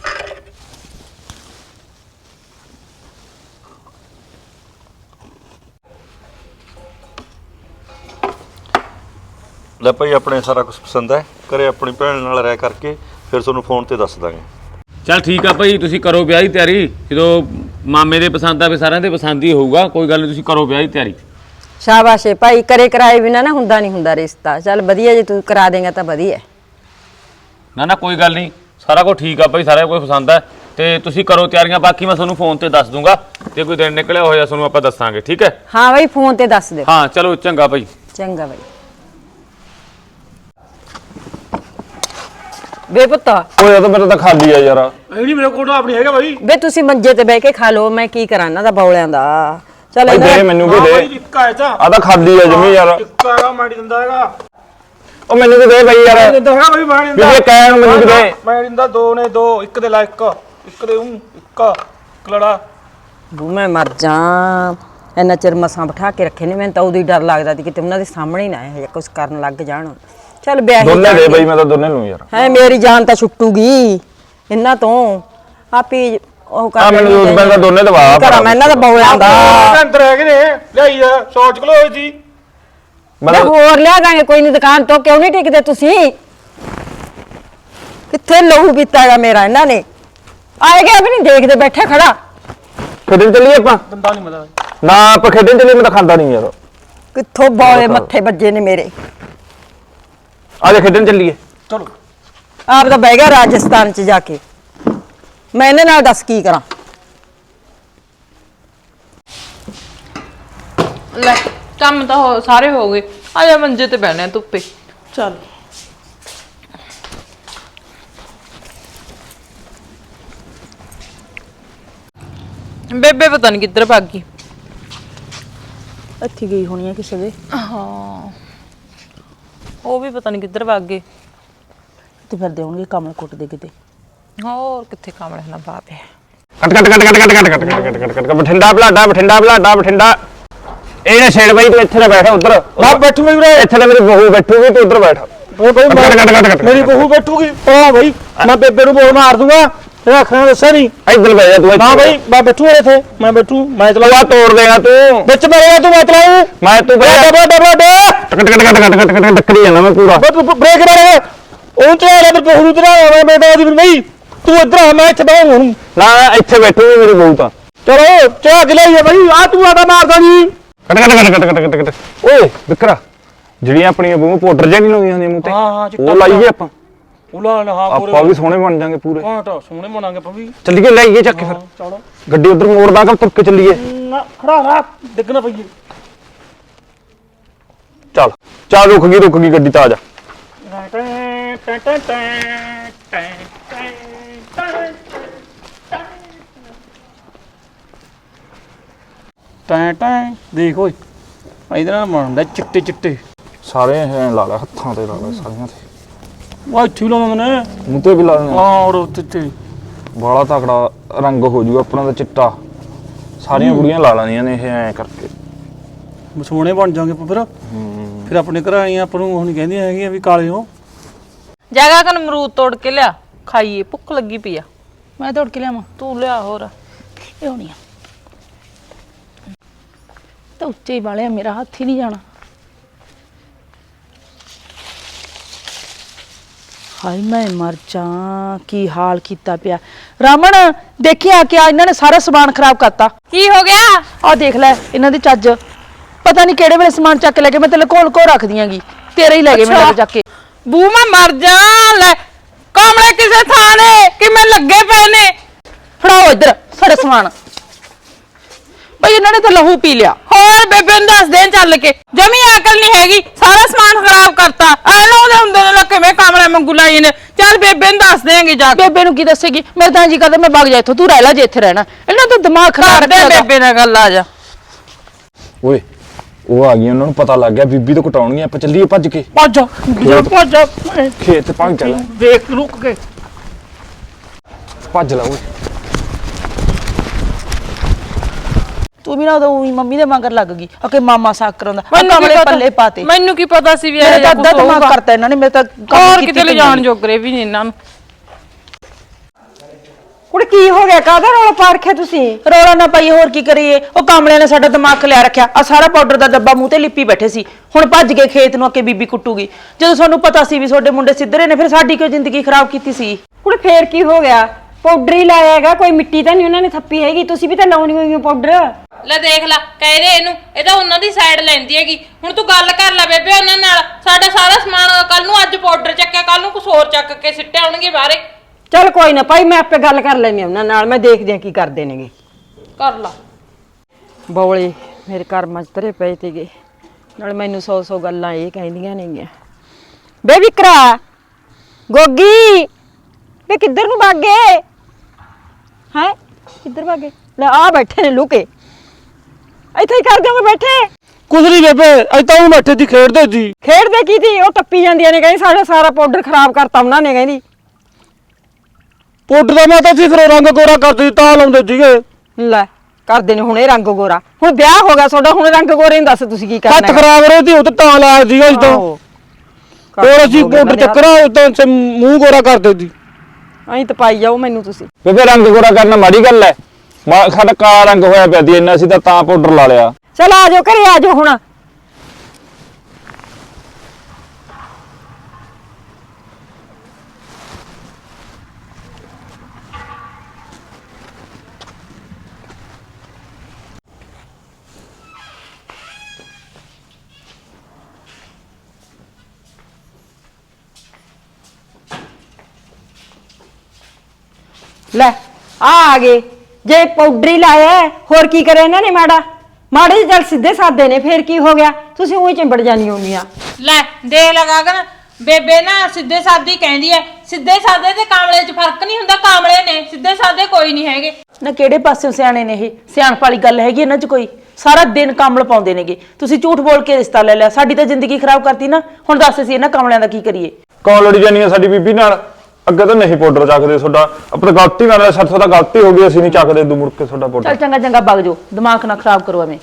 Speaker 7: ਲੈ ਭਾਈ ਆਪਣੇ ਸਾਰਾ ਕੁਝ ਪਸੰਦ ਹੈ, ਘਰੇ ਆਪਣੀ ਭੈਣ ਨਾਲ ਰਹਿ ਕਰਕੇ ਫਿਰ ਤੁਹਾਨੂੰ ਫੋਨ ਤੇ ਦੱਸ ਦਾਂਗੇ।
Speaker 1: ਚੱਲ ਠੀਕ ਆ ਭਾਈ, ਤੁਸੀਂ ਕਰੋ ਵਿਆਹ ਦੀ ਤਿਆਰੀ, ਜਦੋਂ ਮਾਮੇ ਦੇ ਪਸੰਦ ਆਵੇ ਸਾਰਿਆਂ ਦੇ ਪਸੰਦ ਹੀ ਹੋਊਗਾ, ਕੋਈ ਗੱਲ ਨਹੀਂ, ਤੁਸੀਂ ਕਰੋ ਵਿਆਹ ਦੀ ਤਿਆਰੀ।
Speaker 6: ਸ਼ਾਬਾਸ਼ ਏ ਭਾਈ, ਕਰੇ ਕਰਾਏ ਬਿਨਾ ਨਾ ਹੁੰਦਾ ਨਹੀਂ ਹੁੰਦਾ ਰਿਸ਼ਤਾ। ਚੱਲ ਵਧੀਆ, ਜੇ ਤੂੰ ਕਰਾ ਦੇਂਗਾ ਤਾਂ ਵਧੀਆ।
Speaker 1: ਨਾ ਨਾ ਕੋਈ ਗੱਲ ਨਹੀਂ, ਸਾਰਾ ਕੁਝ ਠੀਕ ਆ ਭਾਈ, ਸਾਰਾ ਕੁਝ ਪਸੰਦ ਹੈ, ਤੇ ਤੁਸੀਂ ਕਰੋ ਤਿਆਰੀਆਂ, ਬਾਕੀ ਮੈਂ ਤੁਹਾਨੂੰ ਫੋਨ ਤੇ ਦੱਸ ਦੂੰਗਾ, ਤੇ ਕੋਈ ਦਿਨ ਨਿਕਲਿਆ ਹੋਇਆ ਤੁਹਾਨੂੰ ਆਪਾਂ ਦੱਸਾਂਗੇ, ਠੀਕ ਹੈ?
Speaker 6: ਹਾਂ ਬਈ ਫੋਨ ਤੇ ਦੱਸ ਦਿਓ।
Speaker 1: ਹਾਂ ਚਲੋ ਚੰਗਾ ਭਾਈ।
Speaker 6: ਚੰਗਾ ਬਈ। ਬੇ ਪੁੱਤ
Speaker 8: ਓਏ ਇਹ ਤਾਂ ਮੇਰਾ ਤਾਂ ਖਾਲੀ ਆ ਯਾਰ।
Speaker 2: ਇਹ ਨਹੀਂ ਮੇਰੇ ਕੋਲ ਆਪਣੀ ਹੈਗਾ ਬਾਈ।
Speaker 6: ਬੇ ਤੁਸੀਂ ਮੰਜੇ ਤੇ ਬਹਿ ਕੇ ਖਾ ਲਓ, ਮੈਂ ਕੀ ਕਰਾਂ ਇਹਨਾਂ ਦਾ ਬੌਲਿਆਂ ਦਾ। ਚੱਲ
Speaker 8: ਭਾਈ ਦੇ ਮੈਨੂੰ ਵੀ ਦੇ।
Speaker 2: ਇੱਕ ਆਇਆ ਤਾਂ
Speaker 8: ਆ ਤਾਂ ਖਾਲੀ ਆ ਜਮੀ ਯਾਰ।
Speaker 2: ਇੱਕ ਆਗਾ ਮਾੜੀ ਦਿੰਦਾ ਹੈਗਾ।
Speaker 8: ਉਹ ਮੈਨੂੰ ਵੀ ਦੇ ਬਈ ਯਾਰ।
Speaker 2: ਦਿੰਦਾ ਹੈਗਾ ਬਾਈ, ਮੈਂ ਨਹੀਂ
Speaker 8: ਵੀ ਇਹ ਕਹਿਣ ਨੂੰ ਮੈਨੂੰ ਵੀ ਦੇ।
Speaker 2: ਮੈਂ ਦਿੰਦਾ, ਦੋ ਨੇ ਦੋ, ਇੱਕ ਦੇ ਲਾ ਇੱਕ ਦੇ ਇੱਕ ਕਲੜਾ।
Speaker 6: ਬੂ ਮੈਂ ਮਰ ਜਾ, ਇੰਨਾ ਚਿਰ ਮਸਾਂ ਬਿਠਾ ਕੇ ਰੱਖੇ ਨੇ, ਮੈਨੂੰ ਤਾਂ ਉਦੋਂ ਹੀ ਡਰ ਲੱਗਦਾ ਸੀ ਕਿਤੇ ਉਹਨਾਂ ਦੇ ਸਾਹਮਣੇ ਹੀ ਨਾ ਇਹ ਜਿਹਾ ਕੁਝ ਕਰਨ ਲੱਗ ਜਾਣ। ਚੱਲ ਵਿਆਹ
Speaker 8: ਦੋਨੇ ਦੇ ਬਈ, ਮੈਂ ਤਾਂ ਦੋਨੇ ਲੂੰ ਯਾਰ।
Speaker 6: ਹੈ ਮੇਰੀ ਜਾਨ ਤਾਂ ਛੁੱਟੂਗੀ ਇਹਨਾਂ ਤੋਂ। ਆਪੀ ਉਹ
Speaker 1: ਆ ਮੈਨੂੰ ਉਸ ਬੰਦਾ ਦੋਨੇ ਦਵਾ
Speaker 6: ਕਰਾਂ ਮੈਂ ਇਹਨਾਂ ਦਾ ਬੌਲਿਆਂ ਦਾ
Speaker 2: ਅੰਦਰ ਹੈਗੇ ਨੇ ਲਿਆਈ ਆ 100 ਕਿਲੋ ਹੋਈ ਸੀ
Speaker 6: ਮੈਂ ਹੋਰ ਲਿਆ ਦਾਂਗੇ ਕੋਈ ਨਹੀਂ ਦੁਕਾਨ ਤੋਂ ਕਿਉਂ ਨਹੀਂ ਟਿਕਦੇ ਤੁਸੀਂ ਕਿੱਥੇ ਲਹੂ ਪੀਤਾਗਾ ਮੇਰਾ ਇਹਨਾਂ ਨੇ ਆਏ ਗਿਆ ਵੀ ਨਹੀਂ ਦੇਖਦੇ ਬੈਠੇ ਖੜਾ
Speaker 1: ਖੇਡਣ ਚੱਲੀਏ ਆਪਾਂ
Speaker 2: ਦੰਦਾ ਨਹੀਂ ਮਦਾ
Speaker 1: ਨਾ ਆਪਾਂ ਖੇਡਣ ਚੱਲੀਏ ਮੈਂ ਤਾਂ ਖਾਂਦਾ ਨਹੀਂ ਯਾਰ
Speaker 6: ਕਿੱਥੋਂ ਬੌਲੇ ਮੱਥੇ ਵੱਜੇ ਨੇ ਮੇਰੇ
Speaker 1: ਆ ਜਾ ਖੇਡਣ ਚੱਲੀਏ
Speaker 2: ਚਲੋ
Speaker 6: ਆਪ ਤਾਂ ਬਹਿ ਗਿਆ ਰਾਜਸਥਾਨ ਚ ਜਾ ਕੇ ਮੈਂ ਇਹਨਾਂ ਨਾਲ ਦੱਸ ਕੀ ਕਰਾਂ
Speaker 3: ਲੈ ਕੰਮ ਤਾਂ ਸਾਰੇ ਹੋ ਗਏ ਆ ਜਾ ਮੰਜੇ ਤੇ ਬਹਿਣਾ ਧੁੱਪੇ ਚੱਲ ਬੇਬੇ ਪਤਾ ਨਹੀਂ ਕਿੱਧਰ ਭੱਗ ਗਈ
Speaker 6: ਇੱਥੇ ਗਈ ਹੋਣੀ ਹੈ ਕਿਸੇ ਦੇ
Speaker 3: ਹਾਂ ਉਹ ਵੀ ਪਤਾ ਨਹੀਂ ਕਿੱਧਰ ਭੱਗ ਗਏ
Speaker 6: ਤੇ ਫਿਰ ਦੇਉਣਗੇ ਕਮਲ ਕੁੱਟ ਦੇ ਕਿਤੇ
Speaker 3: ਹੋਰ ਕਿੱਥੇ ਕਾਮਲੇ ਨਾ ਬਾਪੇ
Speaker 1: ਕੱਟ ਕੱਟ ਕੱਟ ਕੱਟ ਕੱਟ ਕੱਟ ਕੱਟ ਕੱਟ ਕੱਟ ਕੱਟ ਬਠਿੰਡਾ ਬਠਿੰਡਾ ਇਹ ਨਾ ਛੇੜ ਬਾਈ ਤੂੰ ਇੱਥੇ ਨਾ ਬੈਠ ਉਧਰ
Speaker 2: ਮੈਂ ਬੈਠੂਗਾ ਵੀਰੇ
Speaker 1: ਇੱਥੇ ਤਾਂ ਮੇਰੀ ਬਹੂ ਬੈਠੂਗੀ ਤੂੰ ਉਧਰ ਬੈਠ
Speaker 2: ਓਏ ਭਾਈ
Speaker 1: ਕੱਟ
Speaker 2: ਮੇਰੀ ਬਹੂ ਬੈਠੂਗੀ ਓ ਭਾਈ ਮੈਂ ਬੇਬੇ ਨੂੰ ਬੋਲ ਮਾਰ ਦੂੰਗਾ ਤੇਰਾ ਅੱਖਾਂ ਦੱਸਿਆ ਨਹੀਂ
Speaker 1: ਇੱਧਰ ਬਹਿ ਜਾ ਤੂੰ
Speaker 2: ਨਾ ਭਾਈ ਮੈਂ ਬੈਠੂਗਾ ਇੱਥੇ ਮੈਂ ਬੈਠੂ ਮੈਂ
Speaker 1: ਤੂੰ ਆ ਤੋੜ ਦੇਗਾ ਤੂੰ
Speaker 2: ਵਿੱਚ ਮੇਰੇ ਤੂੰ ਮੈਂ ਚਲਾਉ
Speaker 1: ਮੈਂ ਤੂੰ ਬਹਿ
Speaker 2: ਬੜਾ
Speaker 1: ਕੱਟ ਕੱਟ ਕੱਟ ਕੱਟ ਕੱਟ ਕੱਟ ਟੱਕਰੀ ਜਾਣਾ ਮੈਂ ਪੂਰਾ
Speaker 2: ਬ੍ਰੇਕ ਮਾਰ ਉਹ ਚਲਾ ਲੈ ਬਹੂ ਨੂੰ ਤੇਰਾ ਮੈਂ ਬੇਟਾ ਦੀ ਨਹੀਂ ਤੂੰ ਇੱਧਰ ਆ ਮੈਂ ਇੱਥੇ ਬਹਿ ਹੁਣ
Speaker 1: ਨਾ ਇੱਥੇ ਬੈਠੂਗੀ ਮੇਰੀ ਬਹੂ ਤਾਂ
Speaker 2: ਚਲੋ ਚਾਹ ਦਿਲਾਈਏ ਭਾਈ ਆ ਤੂੰ ਆਦਾ ਮਾਰਦਾ ਨਹੀਂ
Speaker 1: ਕੱਟ ਕੱਟ ਕੱਟ ਕੱਟ ਕੱਟ ਕੱਟ ਓਏ ਵਿਕਰਾ ਜਿਹੜੀਆਂ ਆਪਣੀਆਂ ਬਹੂ ਪਾਊਡਰ ਜਿਹਾ ਨਹੀਂ ਲਾਉਂਦੀਆਂ ਹੁੰਦੀਆਂ ਮੂੰਹ ਤੇ
Speaker 2: ਹਾਂ
Speaker 1: ਉਹ ਲਾਈਏ ਆਪਾਂ
Speaker 2: ਉਲਾ ਨਾ ਹਾਂ ਪੂਰੇ
Speaker 1: ਆਪਾਂ ਵੀ ਸੋਹਣੇ ਬਣ ਜਾਾਂਗੇ ਪੂਰੇ
Speaker 2: ਹਾਂ ਤਾਂ ਸੋਹਣੇ ਬਣਾਂਗੇ ਪਵੀ
Speaker 1: ਚੱਲੀਏ ਲਾਈਏ ਚੱਕ ਕੇ ਫਿਰ
Speaker 2: ਚਲੋ
Speaker 1: ਗੱਡੀ ਉਧਰ ਮੋੜਦਾ ਕਿ ਤੁਰ ਕੇ ਚੱਲੀਏ
Speaker 2: ਨਾ ਖੜਾ ਰਾ ਡਿੱਗਣਾ ਪਈਏ
Speaker 1: ਚੱਲ ਚੱਲ ਰੁਕ ਗਈ ਗੱਡੀ ਤਾਂ ਆ ਜਾ
Speaker 2: ਟੈਂ ਟੈਂ ਦੇਖ ਓਏ ਇਹਦੇ ਨਾਲ ਬਣਦਾ ਚਿੱਟੇ ਚਿੱਟੇ
Speaker 1: ਸਾਰੇ ਐ ਲਾ ਲੈ ਹੱਥਾਂ ਤੇ ਲਾ ਲੈ ਸਾਰੀਆਂ ਤੇ
Speaker 2: ਉਹ ਇੱਥੇ ਲਾਉਂਦੇ ਨੇ
Speaker 1: ਮੂੰਹ ਤੇ ਵੀ ਲਾ ਲੈਣੇ
Speaker 2: ਹਾਂ ਔਰ ਉੱਤੇ
Speaker 1: ਬਾਲਾ ਤਕੜਾ ਰੰਗ ਹੋ ਜੂਗਾ ਆਪਣਾ ਦਾ ਚਿੱਟਾ ਸਾਰੀਆਂ ਕੁੜੀਆਂ ਲਾ ਲੈਂਦੀਆਂ ਨੇ ਇਹ ਐ ਕਰਕੇ
Speaker 2: ਸੋਹਣੇ ਬਣ ਜਾਵਾਂਗੇ ਫਿਰ ਆਪਣੇ ਘਰ ਆਈਆਂ ਆਪਾਂ ਨੂੰ ਹੁਣ ਕਹਿੰਦੀਆਂ ਹੈਗੀਆਂ ਵੀ ਕਾਲੇ ਹੋ
Speaker 3: ਜਗ੍ਹਾ ਕਨ ਅਮਰੂਦ ਤੋੜ ਕੇ ਲਿਆ ਖਾਈਏ ਭੁੱਖ ਲੱਗੀ ਪਈ ਆ
Speaker 9: ਮੈਂ ਤੋੜ ਕੇ ਲਿਆਵਾਂ
Speaker 3: ਤੂੰ ਲਿਆ ਹੋਰ
Speaker 9: ਲਿਆਉਣੀ ਆ ਤਾਂ ਉੱਚੇ ਹੀ ਵਾਲਿਆ ਮੇਰਾ ਹੱਥ ਹੀ ਨਹੀਂ ਜਾਣਾ ਹਾਏ ਮੈਂ ਮਰ ਜਾ ਕੀ ਹਾਲ ਕੀਤਾ ਪਿਆ ਰਾਮਣ ਦੇਖੀ ਆ ਕੇ ਇਹਨਾਂ ਨੇ ਸਾਰਾ ਸਮਾਨ ਖਰਾਬ ਕਰਤਾ
Speaker 3: ਕੀ ਹੋ ਗਿਆ
Speaker 9: ਆ ਦੇਖ ਲੈ ਇਹਨਾਂ ਦੀ ਚੱਜ ਪਤਾ ਨਹੀਂ ਕਿਹੜੇ ਵੇਲੇ ਸਮਾਨ ਚੱਕ ਲੈ ਕੇ ਮੈਂ ਤੇ ਲਕੋਲ ਕੋ ਰੱਖ ਦਿਆਂਗੀ ਤੇਰੇ ਹੀ ਲੈ ਗਏ ਮੈਨੂੰ ਚੱਕ ਕੇ
Speaker 3: ਬੂ ਮੈਂ ਮਰ ਜਾ ਲੈ ਕਾਮਲੇ ਕਿਸੇ ਥਾਂ ਨੇ ਕਿ ਮੈਂ ਲੱਗੇ ਪਏ ਨੇ
Speaker 9: ਫੜਾਓ ਇੱਧਰ ਸਾਡਾ ਸਮਾਨ ਬਈ ਇਹਨਾਂ ਨੇ ਤਾਂ ਲਹੂ ਪੀ ਲਿਆ
Speaker 3: ਹੋਰ ਬੇਬੇ ਨੂੰ ਦੱਸ ਦੇ ਚੱਲ ਕੇ ਜਮੀ ਅਕਲ ਨਹੀਂ ਹੈਗੀ ਸਾਰਾ ਸਮਾਨ ਖਰਾਬ ਕਰਤਾ ਐ ਲਾਉਂਦੇ ਹੁੰਦੇ ਨੇ ਲੱਕੇ ਮੈਂ ਕਾਮਲੇ ਮੰਗੂ ਲਾਈ ਨੇ ਚੱਲ ਬੇਬੇ ਨੂੰ ਦੱਸ ਦੇਂਗੇ ਜਾ ਕੇ
Speaker 9: ਬੇਬੇ ਨੂੰ ਕੀ ਦੱਸੇਗੀ ਮੇਰੇ ਤਾਂ ਜੀ ਕਰਦਾ ਮੈਂ ਵਗ ਜਾ ਇੱਥੋਂ ਤੂੰ ਰਹਿ ਲੈ ਜੇ ਇੱਥੇ ਰਹਿਣਾ ਇਹਨਾਂ ਦਾ ਦਿਮਾਗ ਖਰਾਬ
Speaker 3: ਕਰਦੇ
Speaker 9: ਰੱਖਿਆ
Speaker 3: ਬੇਬੇ ਨਾਲ ਗੱਲ ਆ ਜਾ
Speaker 1: ਓਏ ਉਹ ਆ ਗਈ ਉਹਨਾਂ ਨੂੰ ਪਤਾ ਲੱਗ ਗਿਆ ਬੀਬੀ ਤੋਂ ਕਟਾਉਣਗੀਆਂ ਆਪਾਂ ਚੱਲੀਏ ਭੱਜ ਕੇ
Speaker 2: ਭੱਜ
Speaker 1: ਖੇਤ ਭੱਜ ਚੱਲ
Speaker 2: ਦੇਖ ਰੁਕ ਕੇ
Speaker 1: ਭੱਜ ਲਾ ਓਏ
Speaker 9: ਤੂੰ ਵੀ ਨਾ ਉਦੋਂ ਉਹੀ ਮੰਮੀ ਦੇ ਮਗਰ ਲੱਗ ਗਈ ਓਕੇ ਮਾਮਾ ਸਾਕ ਕਰਾਉਂਦਾ
Speaker 3: ਮੈਨੂੰ ਕੀ
Speaker 9: ਕਮਲੇ
Speaker 3: ਪਤਾ-
Speaker 9: ਪੱਲੇ ਪਾਤੇ
Speaker 3: ਮੈਨੂੰ ਕੀ ਪਤਾ ਸੀ ਵੀ
Speaker 9: ਮੇਰੇ
Speaker 3: ਇਹ
Speaker 9: ਤਾਂ
Speaker 3: ਕੁਝ
Speaker 9: ਅੱਧਾ ਦਿਮਾਗ
Speaker 3: ਹੋਊਗਾ
Speaker 9: ਕਰਤਾ ਇਹਨਾਂ ਨੇ ਮੇਰੇ ਤਾਂ ਕੰਮ
Speaker 3: ਹੋਰ
Speaker 9: ਕੀਤੀ
Speaker 3: ਕਿਤੇ ਲੈ ਜਾਣ ਜੋਗਰੇ ਵੀ ਨਹੀਂ ਇਹਨਾਂ ਨੂੰ
Speaker 6: ਕੁੜੇ ਕੀ ਹੋ ਗਿਆ ਕਾਹਦਾ ਰੌਲਾ ਪਾ ਰੱਖਿਆ ਤੁਸੀਂ
Speaker 9: ਰੌਲਾ ਨਾ ਪਾਈ ਹੋਰ ਕੀ ਕਰੀਏ ਉਹ ਕਾਮਲਿਆਂ ਨੇ ਸਾਡਾ ਦਿਮਾਗ ਖਲਿਆ ਰੱਖਿਆ ਆ ਸਾਰਾ ਪਾਊਡਰ ਦਾ ਡੱਬਾ ਮੂੰਹ ਤੇ ਲਿਪੀ ਬੈਠੇ ਸੀ ਹੁਣ ਭੱਜ ਕੇ ਖੇਤ ਨੂੰ ਅੱਕੇ ਬੀਬੀ ਕੁੱਟੂਗੀ ਜਦੋਂ ਸਾਨੂੰ ਪਤਾ ਸੀ ਵੀ ਤੁਹਾਡੇ ਮੁੰਡੇ ਸਿੱਧਰੇ ਨੇ ਫਿਰ ਸਾਡੀ ਕਿਉਂ ਜ਼ਿੰਦਗੀ ਖਰਾਬ ਕੀਤੀ ਸੀ
Speaker 6: ਕੁੜੇ ਫੇਰ ਕੀ ਹੋ ਗਿਆ ਪਾਊਡਰ ਹੀ ਲਾਇਆ ਹੈਗਾ ਕੋਈ ਮਿੱਟੀ ਤਾਂ ਨਹੀਂ ਉਹਨਾਂ ਨੇ ਥੱਪੀ ਹੈਗੀ ਤੁਸੀਂ ਵੀ ਤਾਂ ਲਾਉਣੀ ਹੋਈ ਹੋ ਪਾਊਡਰ
Speaker 3: ਲੈ ਦੇਖ ਲੈ ਕਹਿ ਦੇ ਇਹਨੂੰ ਇਹ ਤਾਂ ਉਹਨਾਂ ਦੀ ਸਾਈਡ ਲੈਂਦੀ ਹੈਗੀ ਹੁਣ ਤੂੰ ਗੱਲ ਕਰ ਲੈ ਬੇਬੇ ਉਹਨਾਂ ਨਾਲ ਸਾਡਾ ਸਾਰਾ ਸਮਾਨ ਕੱਲ ਨੂੰ ਅੱਜ ਪਾਊਡਰ ਚੱਕਿਆ ਕੱਲ ਨੂੰ ਕੁਝ ਹੋਰ ਚੱਕ ਕੇ ਸਿੱਟੇ ਆਉਣਗੇ ਬਾਹਰੇ
Speaker 6: ਚੱਲ ਕੋਈ ਨਾ ਭਾਈ ਮੈਂ ਆਪੇ ਗੱਲ ਕਰ ਲੈਣੀ ਉਹਨਾਂ ਨਾਲ ਮੈਂ ਦੇਖਦੀ ਆ ਕੀ ਕਰਦੇ ਨੇਗੇ
Speaker 3: ਕਰ ਲਾ
Speaker 6: ਬੌਲੇ ਮੇਰੇ ਕਰਮਾਂ 'ਚ ਧਰੇ ਪਏ ਤੇਗੇ ਨਾਲ ਮੈਨੂੰ 100 ਗੱਲਾਂ ਇਹ ਕਹਿੰਦੀਆਂ ਨੇਗੀਆਂ ਬੇ ਵਿਕਰਾ ਗੋਗੀ ਵੇ ਕਿੱਧਰ ਨੂੰ ਭਾਗੇ ਹੈ ਕਿੱਧਰ ਭਾਗੇ ਲੈ ਆ ਬੈਠੇ ਨੇ ਲੁਕੇ ਇੱਥੇ ਹੀ ਕਰ ਦਿਓਗੇ ਬੈਠੇ
Speaker 2: ਕੁਝ ਨਹੀਂ ਬੇਬੇ ਅੱਜ ਤਾਂ ਉਹ ਬੈਠੇ ਦੀ ਖੇਡਦੇ ਸੀ
Speaker 6: ਖੇਡਦੇ ਕੀ ਸੀ ਉਹ ਟੱਪੀ ਜਾਂਦੀਆਂ ਨੇ ਕਹਿੰਦੀ ਸਾਡਾ ਸਾਰਾ ਪਾਊਡਰ ਖਰਾਬ ਕਰਤਾ ਉਹਨਾਂ ਨੇ ਕਹਿੰਦੀ
Speaker 2: ਪਾਊਡਰ ਦਾ ਮੈਂ ਤਾਂ ਸੀ ਫਿਰ ਰੰਗ ਗੋਰਾ ਕਰਦੇ ਤਾਂ ਲਾਉਂਦੇ ਸੀਗੇ
Speaker 6: ਲੈ ਕਰਦੇ ਨੇ ਹੁਣ ਇਹ ਰੰਗ ਗੋਰਾ ਹੁਣ ਵਿਆਹ ਹੋ ਗਿਆ ਤੁਹਾਡਾ ਹੁਣ ਰੰਗ ਗੋਰੇ ਨੂੰ ਦੱਸ ਤੁਸੀਂ ਕੀ ਕਰਨਾ
Speaker 2: ਹੱਥ ਖਰਾਬ ਰਹੇ ਸੀ ਉਹ ਤਾਂ ਤਾਂ ਲਾਇਆ ਸੀਗਾ ਅੱਜ ਤਾਂ
Speaker 6: ਆਹੋ।
Speaker 2: ਹੋਰ ਅਸੀਂ ਪਾਊਡਰ ਚੱਕਰਾ ਉਦੋਂ ਮੂੰਹ ਗੋਰਾ ਕਰਦੇ ਸੀ
Speaker 6: ਐਂ ਤਾਂ ਪਾਈ ਜਾਓ ਮੈਨੂੰ ਤੁਸੀਂ।
Speaker 8: ਬੇਬੇ ਰੰਗ ਗੋਰਾ ਕਰਨਾ ਮਾੜੀ ਗੱਲ ਐ। ਸਾਡਾ ਕਾਲਾ ਰੰਗ ਹੋਇਆ ਪਿਆ ਸੀ ਇੰਨਾ, ਅਸੀਂ ਤਾਂ ਪਾਊਡਰ ਲਾ ਲਿਆ।
Speaker 6: ਚਲ ਆ ਜਾਓ ਘਰੇ ਆ ਜਾਓ ਹੁਣ। ਲੈ ਆ ਗਏ। ਜੇ ਪਾਊਡਰ ਹੀ ਲਾਇਆ ਹੈ, ਹੋਰ ਕੀ ਕਰੇ ਇਹਨਾਂ ਨੇ ਮਾੜਾ ਮਾੜੇ ਜਿਹੇ ਜਲ ਸਿੱਧੇ ਸਾਦੇ ਨੇ, ਫੇਰ ਕੀ ਹੋ ਗਿਆ? ਤੁਸੀਂ ਉਹੀ ਚਿੰਬੜ ਜਾਣੀ ਹੋਣੀਆਂ।
Speaker 3: ਲੈ ਦੇਖ ਲਗਾ ਗਨ ਬੇਬੇ ਨਾ ਸਿੱਧੇ ਸਾਦੇ ਕਹਿੰਦੀ ਐ। ਸਿੱਧੇ ਸਾਦੇ ਤੇ ਕਾਮਲੇ 'ਚ ਫਰਕ ਨਹੀਂ ਹੁੰਦਾ, ਕਾਮਲੇ ਨੇ ਸਿੱਧੇ ਸਾਦੇ ਕੋਈ ਨਹੀਂ ਹੈਗੇ।
Speaker 9: ਨਾ ਕਿਹੜੇ ਪਾਸਿਓਂ ਸਿਆਣੇ ਨੇ ਇਹ? ਸਿਆਣਪ ਵਾਲੀ ਗੱਲ ਹੈਗੀ ਇਹਨਾਂ 'ਚ ਕੋਈ? ਸਾਰਾ ਦਿਨ ਕਮਲ ਪਾਉਂਦੇ ਨੇਗੇ। ਤੁਸੀਂ ਝੂਠ ਬੋਲ ਕੇ ਰਿਸ਼ਤਾ ਲੈ ਲਿਆ, ਸਾਡੀ ਤਾਂ ਜ਼ਿੰਦਗੀ ਖਰਾਬ ਕਰਤੀ ਨਾ। ਹੁਣ ਦੱਸ ਅਸੀਂ ਇਹਨਾਂ ਕਮਲਿਆਂ ਦਾ ਕੀ ਕਰੀਏ?
Speaker 8: ਕੌਣ ਲੜੀ ਜਾਨੀ ਆ ਸਾਡੀ ਬੀਬੀ ਨਾਲ? ਅੱਗੇ ਤਾਂ ਨਹੀਂ ਪਾਊਡਰ ਚੱਕਦੇ ਤੁਹਾਡਾ, ਆਪਣਾ ਗਲਤੀ ਨਾਲ ਸਾਥੋਂ ਤਾਂ ਗਲਤੀ ਹੋ ਗਈ, ਅਸੀਂ ਨਹੀਂ ਚੱਕਦੇ ਦੂ ਮੁੜ ਕੇ ਤੁਹਾਡਾ ਪਾਊਡਰ।
Speaker 9: ਚੱਲ ਚੰਗਾ ਚੰਗਾ ਵਗ ਜਾਓ, ਦਿਮਾਗ ਨਾ ਖਰਾਬ ਕਰੋ ਐਵੇਂ।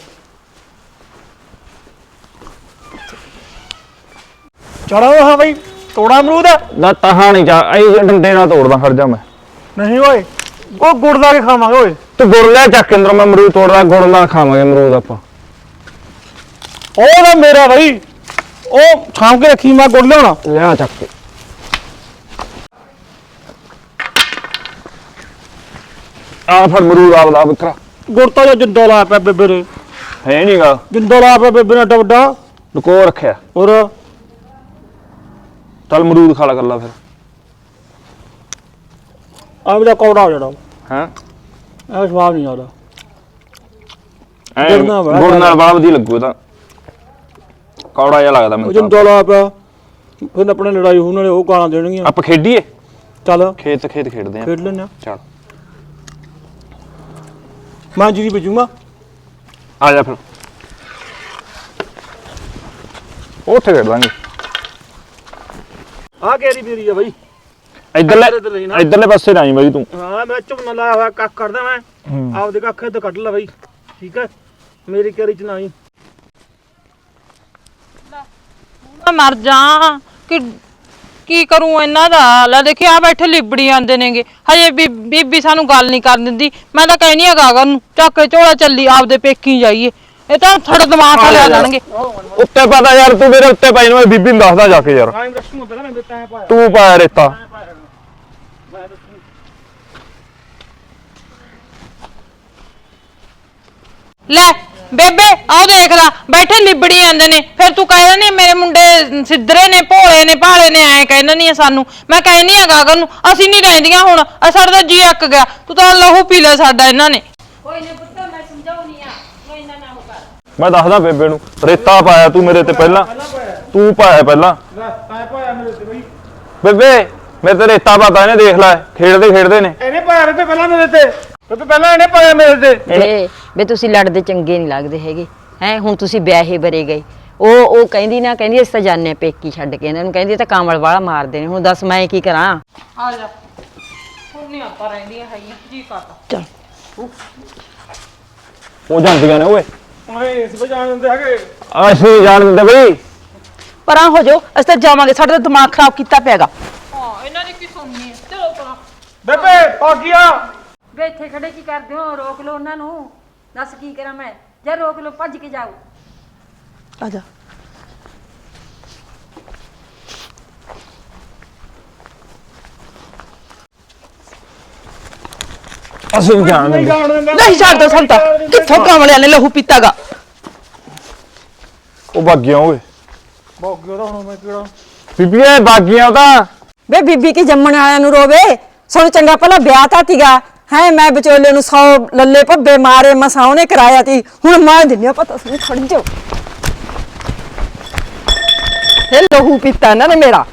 Speaker 2: ਚਲੋ ਹਾਂ ਬਈ, ਤੋੜਾ ਅਮਰੂਦ?
Speaker 8: ਨਾ ਤਹਾਂ ਨਹੀਂ ਚਾ ਇਹ ਡੰਡੇ ਨਾਲ ਤੋੜਦਾ, ਖੜ ਜਾ ਮੈਂ।
Speaker 2: ਨਹੀਂ ਓਏ, ਉਹ ਗੁੜ ਲਾ ਕੇ ਖਾਵਾਂਗੇ ਓਏ।
Speaker 8: ਤੂੰ ਗੁੜ ਲੈ ਚੱਕ ਕੇ ਅੰਦਰੋਂ, ਮੈਂ ਅਮਰੂਦ ਤੋੜਦਾ, ਗੁੜ ਨਾਲ ਖਾਵਾਂਗੇ ਅਮਰੂਦ ਆਪਾਂ।
Speaker 2: ਉਹ ਨਾ ਮੇਰਾ ਬਈ, ਉਹ ਛਾਂਵ ਕੇ ਰੱਖੀ, ਮੈਂ ਗੁੜ ਲਿਆਉਣਾ।
Speaker 8: ਲਿਆ ਚੱਕ ਕੇ। ਆ ਫੜ ਅਮਰੂਦ ਆਪਦਾ ਵਿਕਰਾ।
Speaker 2: ਗੁੜ ਤਾਂ ਜੋ ਜਿੰਦਾ ਲਾਇਆ ਪਿਆ ਬੇਬੇ ਨੇ।
Speaker 8: ਹੈ ਨਹੀਂਗਾ,
Speaker 2: ਜਿੰਦਾ ਲਾਇਆ ਪਿਆ ਬੇਬੇ ਨੇ ਏਡਾ ਵੱਡਾ।
Speaker 8: ਲੁਕੋ ਰੱਖਿਆ।
Speaker 2: ਹੋਰ
Speaker 8: ਚੱਲ ਅਮਰੂਦ ਖਾ ਲਾ ਕਰ ਲਾ ਫਿਰ।
Speaker 2: ਆ ਮੇਰਾ ਕੌੜਾ ਹੋ ਜਾਣਾ।
Speaker 8: ਹੈਂ
Speaker 2: ਇਹ ਸਵਾਦ ਨਹੀਂ ਆਦਾ।
Speaker 8: ਗੁੜ ਨਾਲ ਬੜਾ ਵਧੀਆ ਲੱਗੂ, ਤਾਂ ਕੌੜਾ ਜਿਹਾ ਲੱਗਦਾ
Speaker 2: ਉਹ
Speaker 8: ਮੈਨੂੰ।
Speaker 2: ਜਿੰਦਾ ਲਾਇਆ ਪਿਆ, ਫਿਰ ਆਪਣੇ ਲੜਾਈ ਹੋਣ ਵਾਲੇ ਉਹ ਗਾਲਾਂ ਦੇਣਗੀਆਂ।
Speaker 8: ਆਪਾਂ ਖੇਡੀਏ?
Speaker 2: ਚੱਲ
Speaker 8: ਖੇਡ ਖੇਡਦੇ ਆ।
Speaker 2: ਖੇਡ ਲੈਂਦੇ ਆ।
Speaker 8: ਚੱਲ
Speaker 2: ਮੈਂ ਜੀ ਬਜੂਗਾ।
Speaker 8: ਆ ਜਾ ਫਿਰ, ਉੱਥੇ ਖੇਡ ਲਾਂਗੇ।
Speaker 2: ਆ ਕੇਰੀ ਮੇਰੀ ਆ ਬਈ।
Speaker 8: ਇੱਧਰਲੇ ਪਾਸੇ ਨਾ ਆਈ ਬਾਈ ਤੂੰ।
Speaker 2: ਹਾਂ ਮੈਂ ਝੁੰਨਾ ਲਾਇਆ ਹੋਇਆ, ਕੱਖ ਕਰਦਾ ਮੈਂ ਆਪਦੇ ਕੱਖ ਇੱਧਰ ਕੱਢ ਲੈ ਬਈ, ਠੀਕ ਹੈ? ਮੇਰੀ ਕੇਰੀ ਚ ਨਾ ਆਈ।
Speaker 3: ਮੈਂ ਮਰ ਜਾ ਕਿ ਕੀ ਕਰੂੰ ਇਹਨਾਂ ਦਾ। ਲੈ ਦੇਖੀ ਆ ਬੈਠੇ ਲਿਬੜੀ ਆਂਦੇ ਨੇਗੇ, ਹਜੇ ਬੀਬੀ ਸਾਨੂੰ ਗੱਲ ਨਹੀਂ ਕਰਨ ਦਿੰਦੀ। ਮੈਂ ਤਾਂ ਕਹਿਨੀ ਆ ਗਾਗਰ ਨੂੰ ਚੱਕ ਕੇ ਝੋਲਾ ਚੱਲੀ ਆਪਦੇ ਪੇਕੀ ਜਾਈਏ, ਇਹ ਤਾਂ ਥੜ ਦਿਮਾਗ ਖਾ ਲਿਆ ਜਾਣਗੇ।
Speaker 8: ਉੱਤੇ ਪਤਾ ਯਾਰ, ਤੂੰ ਮੇਰੇ ਉੱਤੇ ਪਾਈ ਨੂੰ, ਮੈਂ ਬੀਬੀ ਨੂੰ ਦੱਸਦਾ ਜਾ ਕੇ ਯਾਰ। ਤੂੰ ਪਾਇਆ ਰੇਤਾ।
Speaker 3: ਲੈ ਬੇਬੇ ਆਹ ਦੇਖ ਲਾ ਬੈਠੇ ਲਿਬੜੀ ਜਾਂਦੇ ਨੇ, ਫਿਰ ਤੂੰ ਕਹਿ ਦਿੰਦੀ ਮੇਰੇ ਮੁੰਡੇ ਸਿੱਧਰੇ ਨੇ, ਭੋਲੇ ਨੇ, ਭਾਲੇ ਨੇ, ਐਂ ਕਹਿ ਦਿੰਦੀ ਆ ਸਾਨੂੰ। ਮੈਂ ਕਹਿਨੀ ਆ ਗਾਗਰ ਨੂੰ ਅਸੀਂ ਨਹੀਂ ਰਹਿੰਦੀਆਂ ਹੁਣ, ਸਾਡਾ ਤਾਂ ਜੀ ਅੱਕ ਗਿਆ। ਤੂੰ ਤਾਂ ਲਹੂ ਪੀ ਲਿਆ ਸਾਡਾ ਇਹਨਾਂ ਨੇ। ਕੋਈ ਨਾ ਪੁੱਤ ਮੈਂ ਸਮਝਾਉਣੀ ਆ, ਤੂੰ ਇੰਨਾ ਨਾ ਹੋ ਕਰ।
Speaker 8: ਮੈਂ ਦੱਸਦਾ ਬੇਬੇ ਨੂੰ, ਰੇਤਾ ਪਾਇਆ ਤੂੰ ਮੇਰੇ ਤੇ ਪਹਿਲਾਂ, ਤੂੰ ਪਾਇਆ ਪਹਿਲਾਂ। ਬੇਬੇ ਮੇਰੇ ਤੇ ਰੇਤਾ ਪਾਤਾ ਇਹਨੇ, ਦੇਖ ਲੈ ਖੇਡਦੇ ਨੇ।
Speaker 2: ਇਹਨੇ ਪਾਇਆ ਬੇਬੇ ਪਹਿਲਾਂ ਮੇਰੇ ਤੇ, ਬੇਬੇ ਪਹਿਲਾਂ ਇਹਨੇ ਪਾਇਆ ਮੇਰੇ ਤੇ।
Speaker 6: ਵੇ ਤੁਸੀਂ ਲੜਦੇ ਚੰਗੇ ਨਹੀਂ ਲੱਗਦੇ ਹੈਗੇ ਹੈ। ਹੁਣ ਤੁਸੀਂ ਵਿਆਹੇ ਬਰੇ ਗਏ, ਉਹ ਕਹਿੰਦੀ ਨਾ, ਕਹਿੰਦੀ ਅਸੀਂ ਤਾਂ ਜਾਣੇ ਆ ਪੇਕੀ ਛੱਡ ਕੇ ਇਹਨਾਂ ਨੂੰ, ਕਹਿੰਦੀ ਤਾਂ ਕਾਮਲ ਵਾਲਾ ਮਾਰਦੇ ਨੇ। ਹੁਣ ਦੱਸ ਮੈਂ ਕੀ ਕਰਾਂ?
Speaker 3: ਆ ਜਾ ਹੁਣ ਨਹੀਂ ਆਪਾਂ ਰਹਿੰਦੀਆਂ ਹੈਗੀਆਂ, ਜੀ ਕਰਦਾ।
Speaker 6: ਚੱਲ
Speaker 8: ਉਹ ਜਾਂਦੀਆਂ ਨੇ ਓਏ।
Speaker 2: ਓਏ ਇਸ ਵਜਾਣ ਦਿੰਦੇ ਹੈਗੇ।
Speaker 8: ਅਸੀਂ ਜਾਣ ਦਿੰਦੇ ਬਈ।
Speaker 9: ਪਰਾਂ ਹੋ ਜਾਓ, ਅਸੀਂ ਤਾਂ ਜਾਵਾਂਗੇ, ਸਾਡਾ ਤਾਂ ਦਿਮਾਗ ਖਰਾਬ ਕੀਤਾ ਪਿਆਗਾ।
Speaker 3: ਹਾਂ ਇਹਨਾਂ ਦੀ ਕੀ ਸੁਣਨੀ ਹੈ, ਚਲੋ ਪਰਾਂ।
Speaker 2: ਬੇਬੇ ਭਾਗੀਆ।
Speaker 6: ਵੇ ਇੱਥੇ ਖੜੇ ਕੀ ਕਰਦੇ ਹੋ? ਰੋਕ ਲਓ ਉਹਨਾਂ ਨੂੰ। ਦੱਸ ਕੀ ਕਰਾਂ ਮੈਂ? ਜੇ ਰੋਕ ਲਓ ਭੱਜ ਕੇ ਜਾਓ।
Speaker 9: ਆ ਜਾ।
Speaker 8: ਅਸੀਂ ਜਾਣ ਦਿੰਦੇ।
Speaker 9: ਨਹੀਂ ਛੱਡਦਾ ਸੰਤਾ, ਕਿੱਥੋਂ ਕਮਲਿਆਂ ਨੇ ਲਹੂ ਪੀਤਾਗਾ?
Speaker 8: ਉਹ ਬਾਗੀਆਂ ਓਏ।
Speaker 2: ਭਾਗੀਆ ਦਾ ਹੁਣ ਮੈਂ ਕਿਹੜਾ
Speaker 8: ਬੀਬੀਏ ਬਾਗੀਆਂ ਤਾਂ।
Speaker 6: ਵੇ ਬੀਬੀ ਕੀ ਜੰਮਣ ਵਾਲਿਆਂ ਨੂੰ ਰੋਵੇ? ਸਾਨੂੰ ਚੰਗਾ ਭਲਾ ਵਿਆਹ ਤਾਂ ਤੀਗਾ ਹੈ। ਮੈਂ ਵਿਚੋਲੇ ਨੂੰ 100 ਲੱਲੇ ਭੱਬੇ ਮਾਰੇ, ਮਸਾਂ ਉਹਨੇ ਕਰਾਇਆ ਤੀ। ਹੁਣ ਮੈਂ ਦਿੰਨੀ ਆ ਪਤਾ ਸੁਣ, ਖੜ ਜਾਓ। ਇਹ ਲਹੂ ਪੀਤਾ ਇਹਨਾਂ ਨੇ ਮੇਰਾ।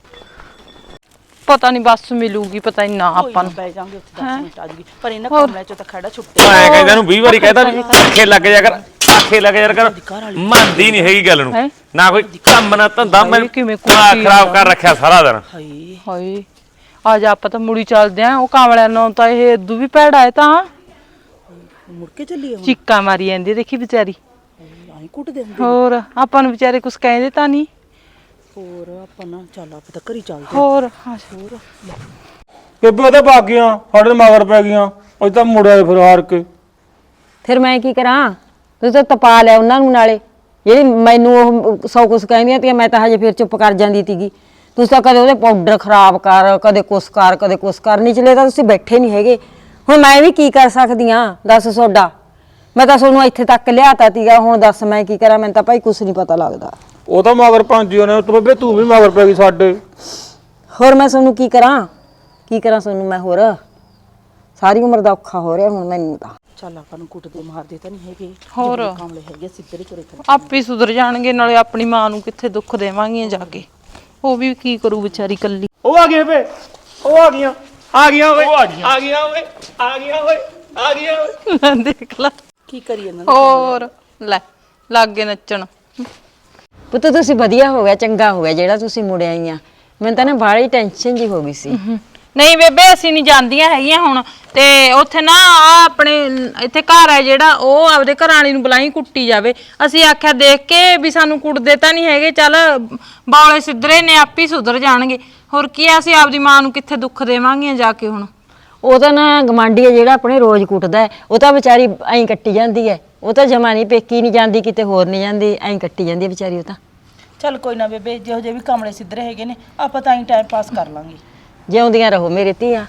Speaker 3: ਪਤਾ ਨਹੀਂ ਬੱਸ ਮਿਲੂਗੀ, ਪਤਾ ਨਹੀਂ ਨਾ ਆਪਾਂ ਨੂੰ।
Speaker 9: ਬੈ ਜਾਾਂਗੇ ਉੱਥੇ 10 ਮਿੰਟ ਆ ਜੂਗੀ, ਪਰ ਇਹਨਾਂ ਕਮਲਿਆਂ ਚੋਂ ਤਾਂ ਖੜਾ ਛੁੱਟੇ।
Speaker 1: ਮੈਂ ਕਹਿੰਦਾ ਇਹਨੂੰ 20 ਵਾਰੀ ਕਹਿਤਾ ਵੀ ਆਖੇ ਲੱਗ ਜਾ ਕਰ, ਆਖੇ ਲੱਗ ਜਾ ਕਰ। ਮੰਨਦੀ ਨਹੀਂ ਹੈਗੀ ਗੱਲ ਨੂੰ, ਨਾ ਕੋਈ ਕੰਮ ਨਾ ਧੰਦਾ। ਮੈਂ ਦਿਮਾਗ ਖਰਾਬ ਕਰ ਰੱਖਿਆ ਸਾਰਾ ਦਿਨ।
Speaker 3: ਹਾਏ ਆ ਜਾ ਆਪਾਂ ਤਾਂ ਮੁੜੀ ਚੱਲਦੇ ਆਂ। ਉਹ ਕਾਮਲਿਆਂ ਨੂੰ ਤਾਂ ਇਹ ਇਦੂ ਵੀ ਭੈੜਾ ਹੈ, ਤਾਂ
Speaker 9: ਮੁੜ ਕੇ ਚੱਲੀਏ ਹੁਣ।
Speaker 3: ਚੀਕਾਂ ਮਾਰੀ ਜਾਂਦੀ ਦੇਖੀ ਵਿਚਾਰੀ।
Speaker 9: ਆਈ ਕੁੱਟਦੇ ਹੁੰਦੇ।
Speaker 3: ਹੋਰ ਆਪਾਂ ਨੂੰ ਵਿਚਾਰੇ ਕੁਝ ਕਹਿੰਦੇ ਤਾਂ ਨਹੀਂ।
Speaker 9: ਹੋਰ ਆਪਾਂ ਨਾ ਚੱਲ ਆਪਾਂ ਤਾਂ ਘਰੀ ਚੱਲਦੇ।
Speaker 3: ਹੋਰ
Speaker 2: ਬੇਬੇ ਉਹਦੇ ਬਾਗੀਆਂ ਸਾਡੇ ਤੇ ਮਗਰ ਪੈ ਗਈਆਂ ਉਹ ਤਾਂ ਮੁੜਿਆ ਫਿਰ ਹਾਰ ਕੇ।
Speaker 6: ਫਿਰ ਮੈਂ ਕੀ ਕਰਾਂ? ਤੁਸੀਂ ਤਾਂ ਤਪਾ ਲਿਆ ਉਹਨਾਂ ਨੂੰ ਨਾਲੇ, ਜਿਹੜੀ ਮੈਨੂੰ ਉਹ ਸੌ ਕੁਛ ਕਹਿੰਦੀਆਂ ਤੀਆਂ, ਮੈਂ ਤਾਂ ਹਜੇ ਫਿਰ ਚੁੱਪ ਕਰ ਜਾਂਦੀ ਤੀਗੀ। ਤੁਸੀਂ ਤਾਂ ਕਦੇ ਉਹਦੇ ਪਾਊਡਰ ਖਰਾਬ ਕਰ, ਕਦੇ ਕੁਛ ਕਰ, ਕਦੇ ਕੁਛ ਕਰ, ਨਿਚਲੇ ਤਾਂ ਤੁਸੀਂ ਬੈਠੇ ਨਹੀਂ ਹੈਗੇ। ਹੁਣ ਮੈਂ ਵੀ ਕੀ ਕਰ ਸਕਦੀ ਹਾਂ ਦੱਸ ਤੁਹਾਡਾ? ਮੈਂ ਤਾਂ ਤੁਹਾਨੂੰ ਇੱਥੇ ਤੱਕ ਲਿਆਤਾ ਤੀਗਾ, ਹੁਣ ਦੱਸ ਮੈਂ ਕੀ ਕਰਾਂ? ਮੈਨੂੰ ਤਾਂ ਭਾਈ ਕੁਛ ਨਹੀਂ ਪਤਾ ਲੱਗਦਾ।
Speaker 2: ਉਹ ਤਾਂ ਮਗਰ ਭਾਂਜੀ ਨੇ ਤੂੰ ਬੇਬੇ, ਤੂੰ ਵੀ ਮਗਰ ਪੈ ਗਈ ਸਾਡੇ।
Speaker 6: ਹੋਰ ਮੈਂ ਤੁਹਾਨੂੰ ਕੀ ਕਰਾਂ? ਕੀ ਕਰਾਂ ਤੁਹਾਨੂੰ ਮੈਂ? ਹੋਰ ਸਾਰੀ ਉਮਰ ਦਾ ਔਖਾ ਹੋ ਰਿਹਾ ਹੁਣ ਮੈਨੂੰ ਤਾਂ।
Speaker 9: ਚੱਲ ਆਪਾਂ ਨੂੰ ਕੁੱਟਦੇ ਮਾਰਦੇ ਤਾਂ ਨਹੀਂ ਹੈਗੇ,
Speaker 3: ਹੋਰ
Speaker 9: ਕਾਮਲੇ ਹੈਗੇ ਸਿੱਧਰੇ ਚੁਰੇ ਕਰ।
Speaker 3: ਆਪੇ ਸੁਧਰ ਜਾਣਗੇ, ਨਾਲੇ ਆਪਣੀ ਮਾਂ ਨੂੰ ਕਿੱਥੇ ਦੁੱਖ ਦੇਵਾਂਗੀਆਂ ਜਾ ਕੇ। ਉਹ ਵੀ ਕੀ ਕਰੂ ਵਿਚਾਰੀ ਕੱਲੀ।
Speaker 2: ਉਹ ਆ ਗਏ ਬੇ, ਉਹ ਆ ਗਈਆਂ, ਆ ਗਈਆਂ ਓਏ, ਆ ਗਈਆਂ ਓਏ, ਆ ਗਈਆਂ ਓਏ, ਆ ਗਈਆਂ ਓਏ।
Speaker 3: ਦੇਖ ਲੈ
Speaker 9: ਕੀ ਕਰੀ ਇਹਨਾਂ
Speaker 3: ਹੋਰ ਲੈ ਲਾਗੇ ਨੱਚਣ।
Speaker 6: ਪੁੱਤ ਤੁਸੀਂ ਵਧੀਆ ਹੋ ਗਿਆ, ਚੰਗਾ ਹੋ ਗਿਆ ਜਿਹੜਾ ਤੁਸੀਂ ਮੁੜ ਆਈਆਂ। ਮੈਨੂੰ ਤਾਂ ਨਾ ਬਾਹਲੀ ਟੈਨਸ਼ਨ ਜੀ ਹੋ ਗਈ ਸੀ।
Speaker 3: ਨਹੀਂ ਬੇਬੇ ਅਸੀਂ ਨਹੀਂ ਜਾਂਦੀਆਂ ਹੈਗੀਆਂ ਹੁਣ। ਤੇ ਉੱਥੇ ਨਾ ਆ ਆਪਣੇ ਇੱਥੇ ਘਰ ਹੈ ਜਿਹੜਾ, ਉਹ ਆਪਦੇ ਘਰ ਵਾਲੀ ਨੂੰ ਬੁਲਾਈ ਕੁੱਟੀ ਜਾਵੇ। ਅਸੀਂ ਆਖਿਆ ਦੇਖ ਕੇ ਵੀ ਸਾਨੂੰ ਕੁੱਟਦੇ ਤਾਂ ਨਹੀਂ ਹੈਗੇ, ਚੱਲ ਬੌਲੇ ਸਿੱਧਰੇ ਨੇ ਆਪੇ ਸੁਧਰ ਜਾਣਗੇ। ਹੋਰ ਕੀ ਆ, ਅਸੀਂ ਆਪਦੀ ਮਾਂ ਨੂੰ ਕਿੱਥੇ ਦੁੱਖ ਦੇਵਾਂਗੀਆਂ ਜਾ ਕੇ ਹੁਣ।
Speaker 6: ਉਹ ਤਾਂ ਨਾ ਗਵਾਂਢੀ ਹੈ ਜਿਹੜਾ ਆਪਣੇ ਰੋਜ਼ ਕੁੱਟਦਾ ਹੈ, ਉਹ ਤਾਂ ਵਿਚਾਰੀ ਐਂ ਕੱਟੀ ਜਾਂਦੀ ਹੈ। ਉਹ ਤਾਂ ਜਮਾ ਨਹੀਂ ਪੇਕੀ ਨਹੀਂ ਜਾਂਦੀ, ਕਿਤੇ ਹੋਰ ਨਹੀਂ ਜਾਂਦੀ, ਐਂ ਕੱਟੀ ਜਾਂਦੀ ਹੈ ਵਿਚਾਰੀ ਉਹ ਤਾਂ।
Speaker 9: ਚੱਲ ਕੋਈ ਨਾ ਬੇਬੇ, ਜਿਹੋ ਜਿਹੇ ਵੀ ਕਾਮਲੇ ਸਿੱਧਰੇ ਹੈਗੇ ਨੇ ਆਪਾਂ ਤਾਂ ਹੀ ਟਾਈਮ ਪਾਸ ਕਰ ਲਾਂਗੇ।
Speaker 6: ਜਿਉਂਦੀਆਂ ਰਹੋ ਮੇਰੇ ਧੀਆਂ।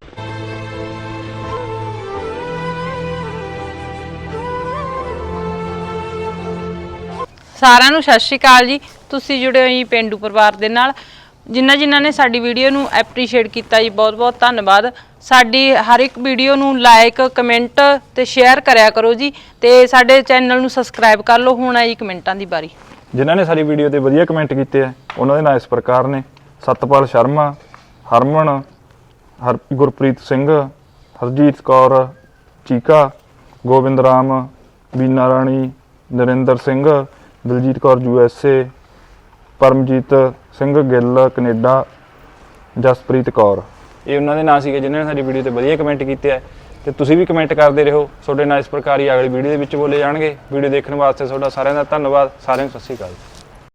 Speaker 3: ਸਾਰਿਆਂ ਨੂੰ ਸਤਿ ਸ਼੍ਰੀ ਅਕਾਲ ਜੀ। ਤੁਸੀਂ ਜੁੜੇ ਹੋ ਜੀ ਪੇਂਡੂ ਪਰਿਵਾਰ ਦੇ ਨਾਲ। ਜਿਨ੍ਹਾਂ ਨੇ ਸਾਡੀ ਵੀਡੀਓ ਨੂੰ ਐਪਰੀਸ਼ੀਏਟ ਕੀਤਾ ਜੀ, ਬਹੁਤ ਬਹੁਤ ਧੰਨਵਾਦ। ਸਾਡੀ ਹਰ ਇੱਕ ਵੀਡੀਓ ਨੂੰ ਲਾਈਕ, ਕਮੈਂਟ ਤੇ ਸ਼ੇਅਰ ਕਰਿਆ ਕਰੋ ਜੀ, ਤੇ ਸਾਡੇ ਚੈਨਲ ਨੂੰ ਸਬਸਕ੍ਰਾਈਬ ਕਰ ਲਓ। ਹੁਣ ਆਈ ਕਮੈਂਟਾਂ ਦੀ ਵਾਰੀ।
Speaker 8: ਜਿਨ੍ਹਾਂ ਨੇ ਸਾਡੀ ਵੀਡੀਓ ਤੇ ਵਧੀਆ ਕਮੈਂਟ ਕੀਤੇ ਆ ਉਹਨਾਂ ਦੇ ਨਾਂ ਇਸ ਪ੍ਰਕਾਰ ਨੇ: ਸਤਪਾਲ ਸ਼ਰਮਾ, ਹਰਮਨ, ਗੁਰਪ੍ਰੀਤ ਸਿੰਘ, ਹਰਜੀਤ ਕੌਰ, ਚੀਕਾ, ਗੋਬਿੰਦ ਰਾਮ, ਬੀਨਾ ਰਾਣੀ, ਨਰਿੰਦਰ ਸਿੰਘ, ਦਲਜੀਤ ਕੌਰ USA, ਪਰਮਜੀਤ ਸਿੰਘ ਗਿੱਲ ਕੈਨੇਡਾ, ਜਸਪ੍ਰੀਤ ਕੌਰ। ਇਹ ਉਹਨਾਂ ਦੇ ਨਾਂ ਸੀਗੇ ਜਿਨ੍ਹਾਂ ਨੇ ਸਾਡੀ ਵੀਡੀਓ ਤੇ ਵਧੀਆ ਕਮੈਂਟ ਕੀਤੇ ਆ। ਤੇ ਤੁਸੀਂ ਵੀ ਕਮੈਂਟ ਕਰਦੇ ਰਹੋ, ਤੁਹਾਡੇ ਨਾਲ ਇਸ ਪ੍ਰਕਾਰ ਹੀ ਅਗਲੀ ਵੀਡੀਓ ਦੇ ਵਿੱਚ ਬੋਲੇ ਜਾਣਗੇ। ਵੀਡੀਓ ਦੇਖਣ ਵਾਸਤੇ ਤੁਹਾਡਾ ਸਾਰਿਆਂ ਦਾ ਧੰਨਵਾਦ। ਸਾਰਿਆਂ ਨੂੰ ਸਤਿ ਸ਼੍ਰੀ ਅਕਾਲ।